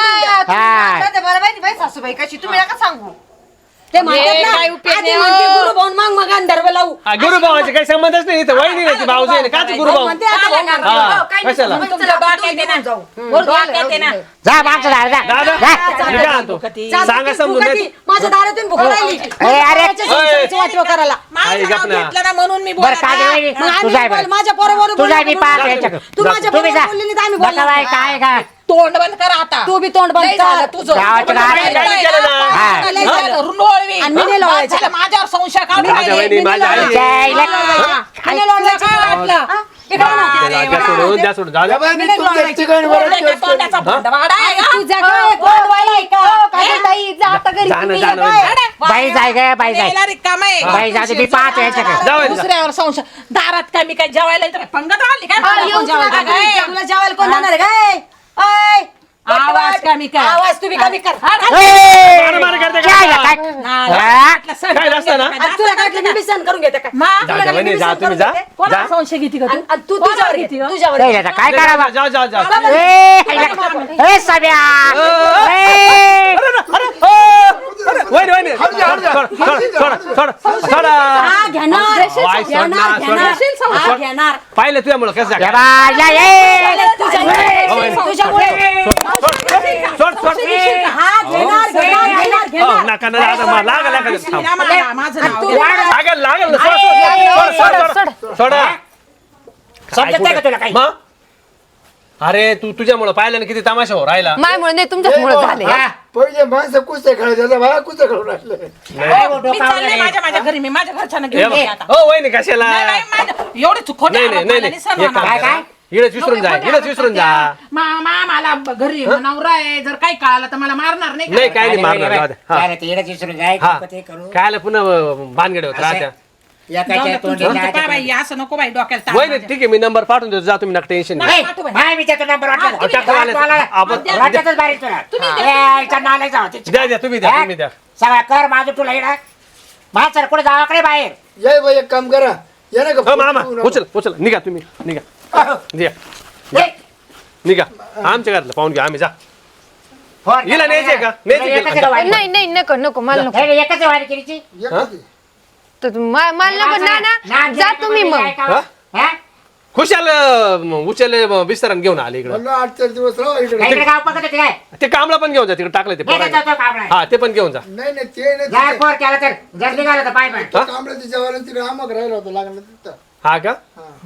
[SPEAKER 3] तुम्ही मला माहिती बाई सासूबाई कशी तुम्ही नका सांगू
[SPEAKER 4] ते म्हणतात
[SPEAKER 2] हे
[SPEAKER 4] ना,
[SPEAKER 2] काय उपयोग
[SPEAKER 4] आधी
[SPEAKER 2] नाही,
[SPEAKER 4] म्हणते
[SPEAKER 2] हो.
[SPEAKER 4] गुरु भाऊन मग मग अंधर्व लावू
[SPEAKER 1] हा, गुरुभावाचे काही संबंधच नाही इथं वहिनी नाही ती भाऊजी आहे काच गुरुभाऊ
[SPEAKER 4] म्हणते आता भाऊ म्हणते.
[SPEAKER 1] हा,
[SPEAKER 3] काही नाही
[SPEAKER 1] कशाला?
[SPEAKER 3] सांगू.
[SPEAKER 2] तुमचं
[SPEAKER 3] चला, आपण
[SPEAKER 2] डोक्यात
[SPEAKER 3] दोघी
[SPEAKER 2] आहे ना.
[SPEAKER 3] जाऊ.
[SPEAKER 2] डोक्यात आहे ना.
[SPEAKER 5] जा मागचं झाड जा
[SPEAKER 1] दादा
[SPEAKER 5] जा.
[SPEAKER 1] मी काय आणतो
[SPEAKER 4] चालतं
[SPEAKER 1] सांगा
[SPEAKER 4] ती
[SPEAKER 1] समजून
[SPEAKER 4] फुकटी.
[SPEAKER 1] नाही
[SPEAKER 4] माझ्या दारातून भुका राहिली
[SPEAKER 5] अरे.
[SPEAKER 4] माझ्या संसाराची वाटव करायला
[SPEAKER 2] माझं
[SPEAKER 1] आई,
[SPEAKER 2] नाव
[SPEAKER 1] गप ना.
[SPEAKER 2] घेतलं ना म्हणून मी
[SPEAKER 5] बरं
[SPEAKER 2] बोलत
[SPEAKER 5] काय
[SPEAKER 2] आहे.
[SPEAKER 5] वहिनी?
[SPEAKER 4] मग
[SPEAKER 5] तू जाय
[SPEAKER 4] आम्ही
[SPEAKER 5] बरं.
[SPEAKER 4] माझ्या पोराबरोबर
[SPEAKER 5] तू जाय
[SPEAKER 4] बोललो
[SPEAKER 5] मी
[SPEAKER 4] म्हणून.
[SPEAKER 5] पाहतो याच्याकडे.
[SPEAKER 4] तू माझ्या
[SPEAKER 5] तुम्ही
[SPEAKER 4] बरोबर
[SPEAKER 5] जा
[SPEAKER 4] बोलली नाही तर आम्ही
[SPEAKER 5] बघा
[SPEAKER 4] बोललो
[SPEAKER 5] बाई,
[SPEAKER 4] नाही.
[SPEAKER 5] काय काय
[SPEAKER 2] तोंड बंद कर आता
[SPEAKER 4] तू बी तोंड बंद
[SPEAKER 2] लय झालं
[SPEAKER 4] कर.
[SPEAKER 2] तुझं.
[SPEAKER 5] गावाच्या
[SPEAKER 2] तुझं
[SPEAKER 5] बाहेर
[SPEAKER 2] लय
[SPEAKER 1] काय
[SPEAKER 2] झालं.
[SPEAKER 1] केलं ना?
[SPEAKER 5] हा.
[SPEAKER 2] लय झालं. रुंडोळवी.
[SPEAKER 4] आणि मी नाही लावायचं.
[SPEAKER 2] झालं, माझ्यावर संशय काढून
[SPEAKER 1] माझ्या
[SPEAKER 2] राहिले.
[SPEAKER 1] वहिनी माझ्या आई
[SPEAKER 5] जायला.
[SPEAKER 4] आणि लोळवायचं काय वाटलं? हा? इकडे बघ ना.
[SPEAKER 1] द्या सोडून द्या सोडून जाऊ द्या.
[SPEAKER 6] बाबा, मी तुमच्या ठिकाणी वर
[SPEAKER 2] तोंडाच्या तोंडाचा भांडवाडा आहे का?
[SPEAKER 4] तुझ्या काय गोडवाला आहे का?
[SPEAKER 3] काय ताई जा आता घरी
[SPEAKER 1] जा ना,
[SPEAKER 3] तुम्ही
[SPEAKER 1] जा ना,
[SPEAKER 3] काय?
[SPEAKER 1] वहिनी.
[SPEAKER 5] बाई जाय ग बाई जाय
[SPEAKER 2] यायला रिकामं आहे.
[SPEAKER 5] बाई जाऊ दे, मी पाहतो याच्याकडे.
[SPEAKER 1] जाऊ दे.
[SPEAKER 2] दुसऱ्यावर संशय दारात काय मी काय जेवायला येतो काय पंगत आली काय
[SPEAKER 3] हा,
[SPEAKER 2] मला
[SPEAKER 3] येऊन
[SPEAKER 2] कोण जेवायला
[SPEAKER 3] तुला
[SPEAKER 2] काय?
[SPEAKER 3] घरी
[SPEAKER 4] तुला जेवायला कोण जाणार आहे काय? ओय!
[SPEAKER 2] आवाज कमी कर.
[SPEAKER 4] आवाज तुम्ही कमी कर.
[SPEAKER 5] ए,
[SPEAKER 1] मार करते का?
[SPEAKER 5] काय काय?
[SPEAKER 2] ना,
[SPEAKER 5] हा?
[SPEAKER 2] म्हटलं सण
[SPEAKER 1] काय नसतं ना?
[SPEAKER 4] आणि तुला काय वाटलं मी बी सहन करून घेते काय?
[SPEAKER 2] मा,
[SPEAKER 1] जा, जा, वहिनी, जा, तुम्ही जा.
[SPEAKER 2] कोणाला
[SPEAKER 1] जा.
[SPEAKER 2] संशय घेते का तू?
[SPEAKER 4] आणि तू
[SPEAKER 2] कोणाला
[SPEAKER 4] तुझ्यावर
[SPEAKER 2] घेते
[SPEAKER 4] घे,
[SPEAKER 2] का?
[SPEAKER 4] तुझ्यावर
[SPEAKER 5] नाही,
[SPEAKER 4] घे.
[SPEAKER 5] आता काय करावं
[SPEAKER 1] जा जा जा
[SPEAKER 5] ए, ए, सब्या. ए,
[SPEAKER 1] वहिनी वहिनी सोडा
[SPEAKER 4] हा, घेणार.
[SPEAKER 1] वाय, सोड ना,
[SPEAKER 4] घेणार,
[SPEAKER 1] सोड ना.
[SPEAKER 4] घेणार. हा,
[SPEAKER 1] सोड.
[SPEAKER 4] घेणार.
[SPEAKER 1] पाहिलं तुझ्यामुळं कसं
[SPEAKER 5] या
[SPEAKER 1] झालं?
[SPEAKER 5] बाई, या, ए.
[SPEAKER 4] तुझ्यामुळे
[SPEAKER 1] सोड सोड
[SPEAKER 4] हा, घेणार, घेणार, घेणार, घेणार.
[SPEAKER 1] नका ना दादा मला लागल लागल थांब
[SPEAKER 2] आम्हाला माझं नाव
[SPEAKER 4] तू
[SPEAKER 2] घे.
[SPEAKER 1] लागल लागल ना सोड सोड
[SPEAKER 5] समजत नाही का तुला काही?
[SPEAKER 1] मग अरे तू तुझ्यामुळं पाहिलं ना किती तमाशा हो राहिला
[SPEAKER 3] मायमुळे नाही तुमच्यामुळे झाले
[SPEAKER 5] हा?
[SPEAKER 6] पहिले माणसं कुस्त्या खेळत होता बाळा कुस्त्या खेळून राहिले
[SPEAKER 2] मी चालले माझ्या घरी मी माझ्या घरच्यांना घेऊन
[SPEAKER 1] हे
[SPEAKER 2] येते
[SPEAKER 1] बघ.
[SPEAKER 2] आता.
[SPEAKER 1] हो वहिनी कशाला
[SPEAKER 2] नाही, नाही, माझं- एवढे खोटे
[SPEAKER 1] नाही नाही
[SPEAKER 2] आरोप
[SPEAKER 1] नाही
[SPEAKER 2] मला
[SPEAKER 1] नाही
[SPEAKER 2] सहन
[SPEAKER 1] एक काम
[SPEAKER 2] होणार.
[SPEAKER 5] काय?
[SPEAKER 1] करा. इडच विसरून जा
[SPEAKER 2] खोटे
[SPEAKER 1] इडच
[SPEAKER 2] आरोप
[SPEAKER 1] विसरून जा
[SPEAKER 2] करते. मला घरी नवरा आहे जर काही कळालं तर मला मारणार नाही का?
[SPEAKER 1] नाही काय नाही मारणार जाऊ दे. हा.
[SPEAKER 5] काय रे, ते येडच विसरून जाय,
[SPEAKER 1] हा
[SPEAKER 5] ते करू.
[SPEAKER 1] कायला पुन्हा भानगडे होत राहत्या
[SPEAKER 5] एकाच्या
[SPEAKER 2] जाऊ दे,
[SPEAKER 5] तोंडी
[SPEAKER 2] तुझं
[SPEAKER 5] नाही,
[SPEAKER 2] काय बाई, असं नको बाई डोक्याला ताप
[SPEAKER 1] वहिनी
[SPEAKER 2] माझ्या.
[SPEAKER 1] ठीक आहे मी नंबर पाठवून देतो जा तुम्ही नका टेन्शन नाही
[SPEAKER 5] ए, बाई, मी त्याचा नंबर वाटला.
[SPEAKER 1] अहो, टाकू आले. आपण-
[SPEAKER 5] वाटतच बारीक तुला. ए, इथं नालायक जाऊ, तिची.
[SPEAKER 1] द्या द्या तुम्ही द्या
[SPEAKER 5] हा?
[SPEAKER 1] तुम्ही द्या
[SPEAKER 5] सगळं कर माझं तुला येडा माझं कुठे जावाकडे बाहेर
[SPEAKER 6] ये बाई एक काम करा या ना
[SPEAKER 1] हो मामा उचल उचल निघा तुम्ही निघा द्या
[SPEAKER 5] ए,
[SPEAKER 1] निघा आमच्या घरातलं पाहून घ्या आम्ही जा
[SPEAKER 5] फोन
[SPEAKER 1] हिला
[SPEAKER 5] कर.
[SPEAKER 1] न्यायचंय का? न्यायचंय
[SPEAKER 5] एकच
[SPEAKER 1] का?
[SPEAKER 5] आहे का वारी?
[SPEAKER 3] नाही नाही नको नको मला नको
[SPEAKER 5] हे, एकच आहे वारी केलीची?
[SPEAKER 6] एकच.
[SPEAKER 3] तर मला नको ना ना जा तुम्ही मग
[SPEAKER 5] हा?
[SPEAKER 1] खुशाल उचल विस्तारण घेऊन आले इकडं
[SPEAKER 6] म्हणलं 8-4 दिवस राहा इकडे.
[SPEAKER 5] काय इकडे गाव पकडत होते काय
[SPEAKER 1] ते कामला पण घेऊन जा तिकडे टाकलं ते
[SPEAKER 5] नाही
[SPEAKER 1] पोरांनी.
[SPEAKER 5] जातो कामला
[SPEAKER 1] हा ते पण घेऊन जा
[SPEAKER 6] नाही नाही ते नाही
[SPEAKER 5] जर
[SPEAKER 6] तिथे.
[SPEAKER 5] फोन केला तर जर निघाला तर पाय पाय
[SPEAKER 6] कांबळ्याच्या जेवायला तिथे आमक राहिला होता लागलं तिथं.
[SPEAKER 1] हा का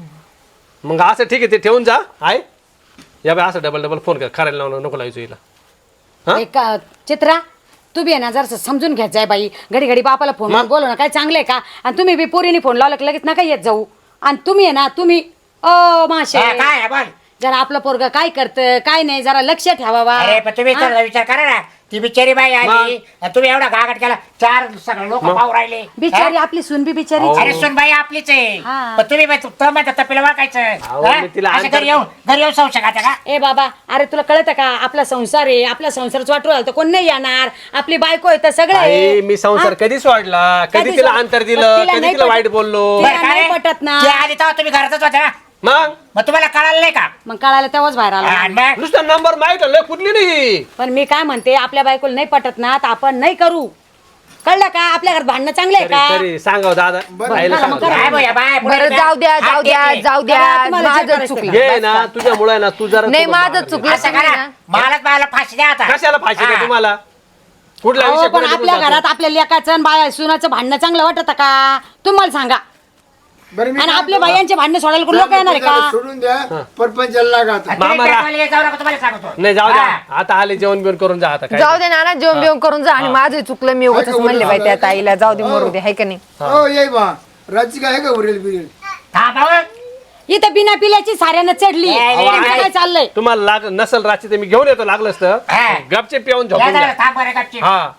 [SPEAKER 1] मग असं ठीक आहे ते ठेवून जा आहे या बाई असं डबल फोन कर करायला लावून नको लावायचो हिला हा?
[SPEAKER 4] एक चित्रा तू बी आहे ना जरा समजून घ्यायचं आहे बाई घडी घडी बापाला फोन बोलव ना काय चांगलं आहे का आणि तुम्ही बी पोरीने फोन लावला की लगेच नका येत जाऊ आणि तुम्ही आहे ना तुम्ही माशे
[SPEAKER 5] हा, काय आहे, बोल
[SPEAKER 4] जरा आपलं पोरग काय करतं काय नाही जरा लक्ष ठेवावा
[SPEAKER 5] अरे पण तुम्ही तर विचार करा ना ती बिचारी बाई आली आणि तुम्ही एवढा गागाट केला 4 सगळे लोक पाहू राहिले
[SPEAKER 4] बिचारी आपली सून बी बिचारी
[SPEAKER 5] अरे सुन बाई आपलीच आहे
[SPEAKER 4] हा.
[SPEAKER 5] पण तुम्ही तपेला वाकायचं
[SPEAKER 1] अहो,
[SPEAKER 5] हा?
[SPEAKER 1] मी तिला
[SPEAKER 5] असं घरी येऊन संशय खाता का
[SPEAKER 4] ए बाबा अरे तुला कळतं का आपला संसार आहे आपला संसारच वाटू तर कोण नाही येणार आपली बायको आहे तर सगळं आहे.
[SPEAKER 1] आई मी संसार कधी सोडला कधी
[SPEAKER 4] कधी
[SPEAKER 1] तिला
[SPEAKER 4] सोड-
[SPEAKER 1] अंतर
[SPEAKER 4] पण
[SPEAKER 1] दिलं
[SPEAKER 4] तिला
[SPEAKER 1] कधी
[SPEAKER 4] नाही
[SPEAKER 1] तिला
[SPEAKER 4] पटत.
[SPEAKER 1] वाईट बोललो
[SPEAKER 4] तिला
[SPEAKER 5] बरं का
[SPEAKER 4] नाही
[SPEAKER 5] रे?
[SPEAKER 4] पटत ना.
[SPEAKER 5] ते आधी तेव्हा तुम्ही घरातच होते ना
[SPEAKER 1] मग
[SPEAKER 5] मग तुम्हाला कळालं नाही का
[SPEAKER 4] मग कळायला तेव्हाच बाहेर
[SPEAKER 5] आणि
[SPEAKER 4] आला
[SPEAKER 5] मग
[SPEAKER 1] नुसता नंबर माहित लय कुठली नाही
[SPEAKER 4] पण मी काय म्हणते आपल्या बायकोला नाही पटत ना तर आपण नाही करू कळलं का आपल्या घरात भांडणं चांगलं आहे का
[SPEAKER 1] तरी सांगाव दादा आईला
[SPEAKER 4] करा, मग
[SPEAKER 1] सांगावं.
[SPEAKER 5] काय बाई, बाय, पुढे
[SPEAKER 3] बरं जाऊ द्या
[SPEAKER 5] हात
[SPEAKER 3] जाऊ द्या
[SPEAKER 5] घेतले.
[SPEAKER 3] जाऊ द्या
[SPEAKER 4] करा, तुम्हाला जे
[SPEAKER 3] माझं
[SPEAKER 4] करायचं
[SPEAKER 3] चुकलं
[SPEAKER 1] घे ना तुझ्यामुळे ना तू जरा
[SPEAKER 3] नाही
[SPEAKER 1] तू
[SPEAKER 3] माझं
[SPEAKER 1] मार.
[SPEAKER 3] चुकलं
[SPEAKER 5] असं
[SPEAKER 3] तुम्ही
[SPEAKER 5] करा
[SPEAKER 3] ना.
[SPEAKER 5] मला फाशी द्या आता
[SPEAKER 1] कशाला फाशी का
[SPEAKER 5] हा.
[SPEAKER 1] तुम्हाला कुठला
[SPEAKER 4] अहो,
[SPEAKER 1] विषय
[SPEAKER 4] पण
[SPEAKER 1] कुठे
[SPEAKER 4] आपल्या
[SPEAKER 1] बोलतो?
[SPEAKER 4] घरात आपल्या लेकाचं आणि बाया सुनाचं भांडणं चांगलं वाटत का तुम्हाला सांगा
[SPEAKER 6] बरं मी
[SPEAKER 4] आणि
[SPEAKER 6] काय
[SPEAKER 4] आपल्या
[SPEAKER 6] म्हणतो,
[SPEAKER 4] बायांचे भांडणं सोडायला कोण लोक येणार आहे
[SPEAKER 6] जरा
[SPEAKER 4] का
[SPEAKER 6] सोडून द्या परपंचाला लागा आता.
[SPEAKER 5] तुम्ही
[SPEAKER 1] मामा रा-
[SPEAKER 5] पेटवायला जाऊ नका तुम्हाला सांगतो
[SPEAKER 1] नाही जाऊ द्या
[SPEAKER 5] हा.
[SPEAKER 1] आता आले जेवण बिवण करून जा आता काय
[SPEAKER 3] जाऊ दे ना जेवण बिवण करून जा आणि माझं चुकलं मी उगाच म्हणले बाई त्या ताईला जाऊ दे मरू दे हाय का नाही
[SPEAKER 6] हो ये बा राजी काय का उरेल बिरेल
[SPEAKER 5] थांबा
[SPEAKER 4] इथं बिना पिल्याची साऱ्यानं चढली
[SPEAKER 5] ए, ए,
[SPEAKER 4] तुमचं
[SPEAKER 5] ए,
[SPEAKER 4] काय चाललंय
[SPEAKER 1] तुम्हाला लाग नसल रात्री तर मी घेऊन येतो लागलंच तर
[SPEAKER 5] हा.
[SPEAKER 1] गपचे पिऊन झोपून घ्या
[SPEAKER 5] थांब बरं गपची
[SPEAKER 1] हा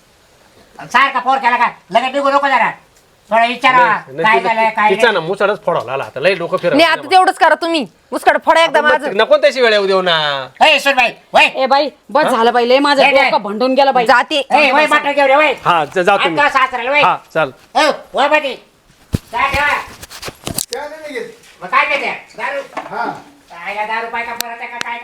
[SPEAKER 5] सारखा फोन केला का लगेच निघू नको जरा थोडा विचारा काय झालंय काय
[SPEAKER 1] तिचा ना मुसाडच फोडवला आला आता लय डोकं
[SPEAKER 3] नाही
[SPEAKER 1] फिरवलं
[SPEAKER 3] आता तेवढंच करा तुम्ही मुस्काड फोडा एकदा माझं
[SPEAKER 1] नको त्याची वेळ येऊ देऊ ना
[SPEAKER 5] नाही सुन बाई वय
[SPEAKER 4] ए बाई बस झालं बाई लय माझं
[SPEAKER 5] नाही, नाही.
[SPEAKER 4] डोकं भंडून गेलं बाई
[SPEAKER 3] जाते
[SPEAKER 5] ए वय मटण घेऊ रे वय
[SPEAKER 1] हा जा तुम्ही
[SPEAKER 5] आता सासऱ्याला वय
[SPEAKER 1] हा चाल
[SPEAKER 5] हो वय बाटी काय ठेवा
[SPEAKER 6] त्या नाही घेत.
[SPEAKER 5] मग काय देते दारू
[SPEAKER 6] हा
[SPEAKER 5] काय दारू पाय का परत आहे का काय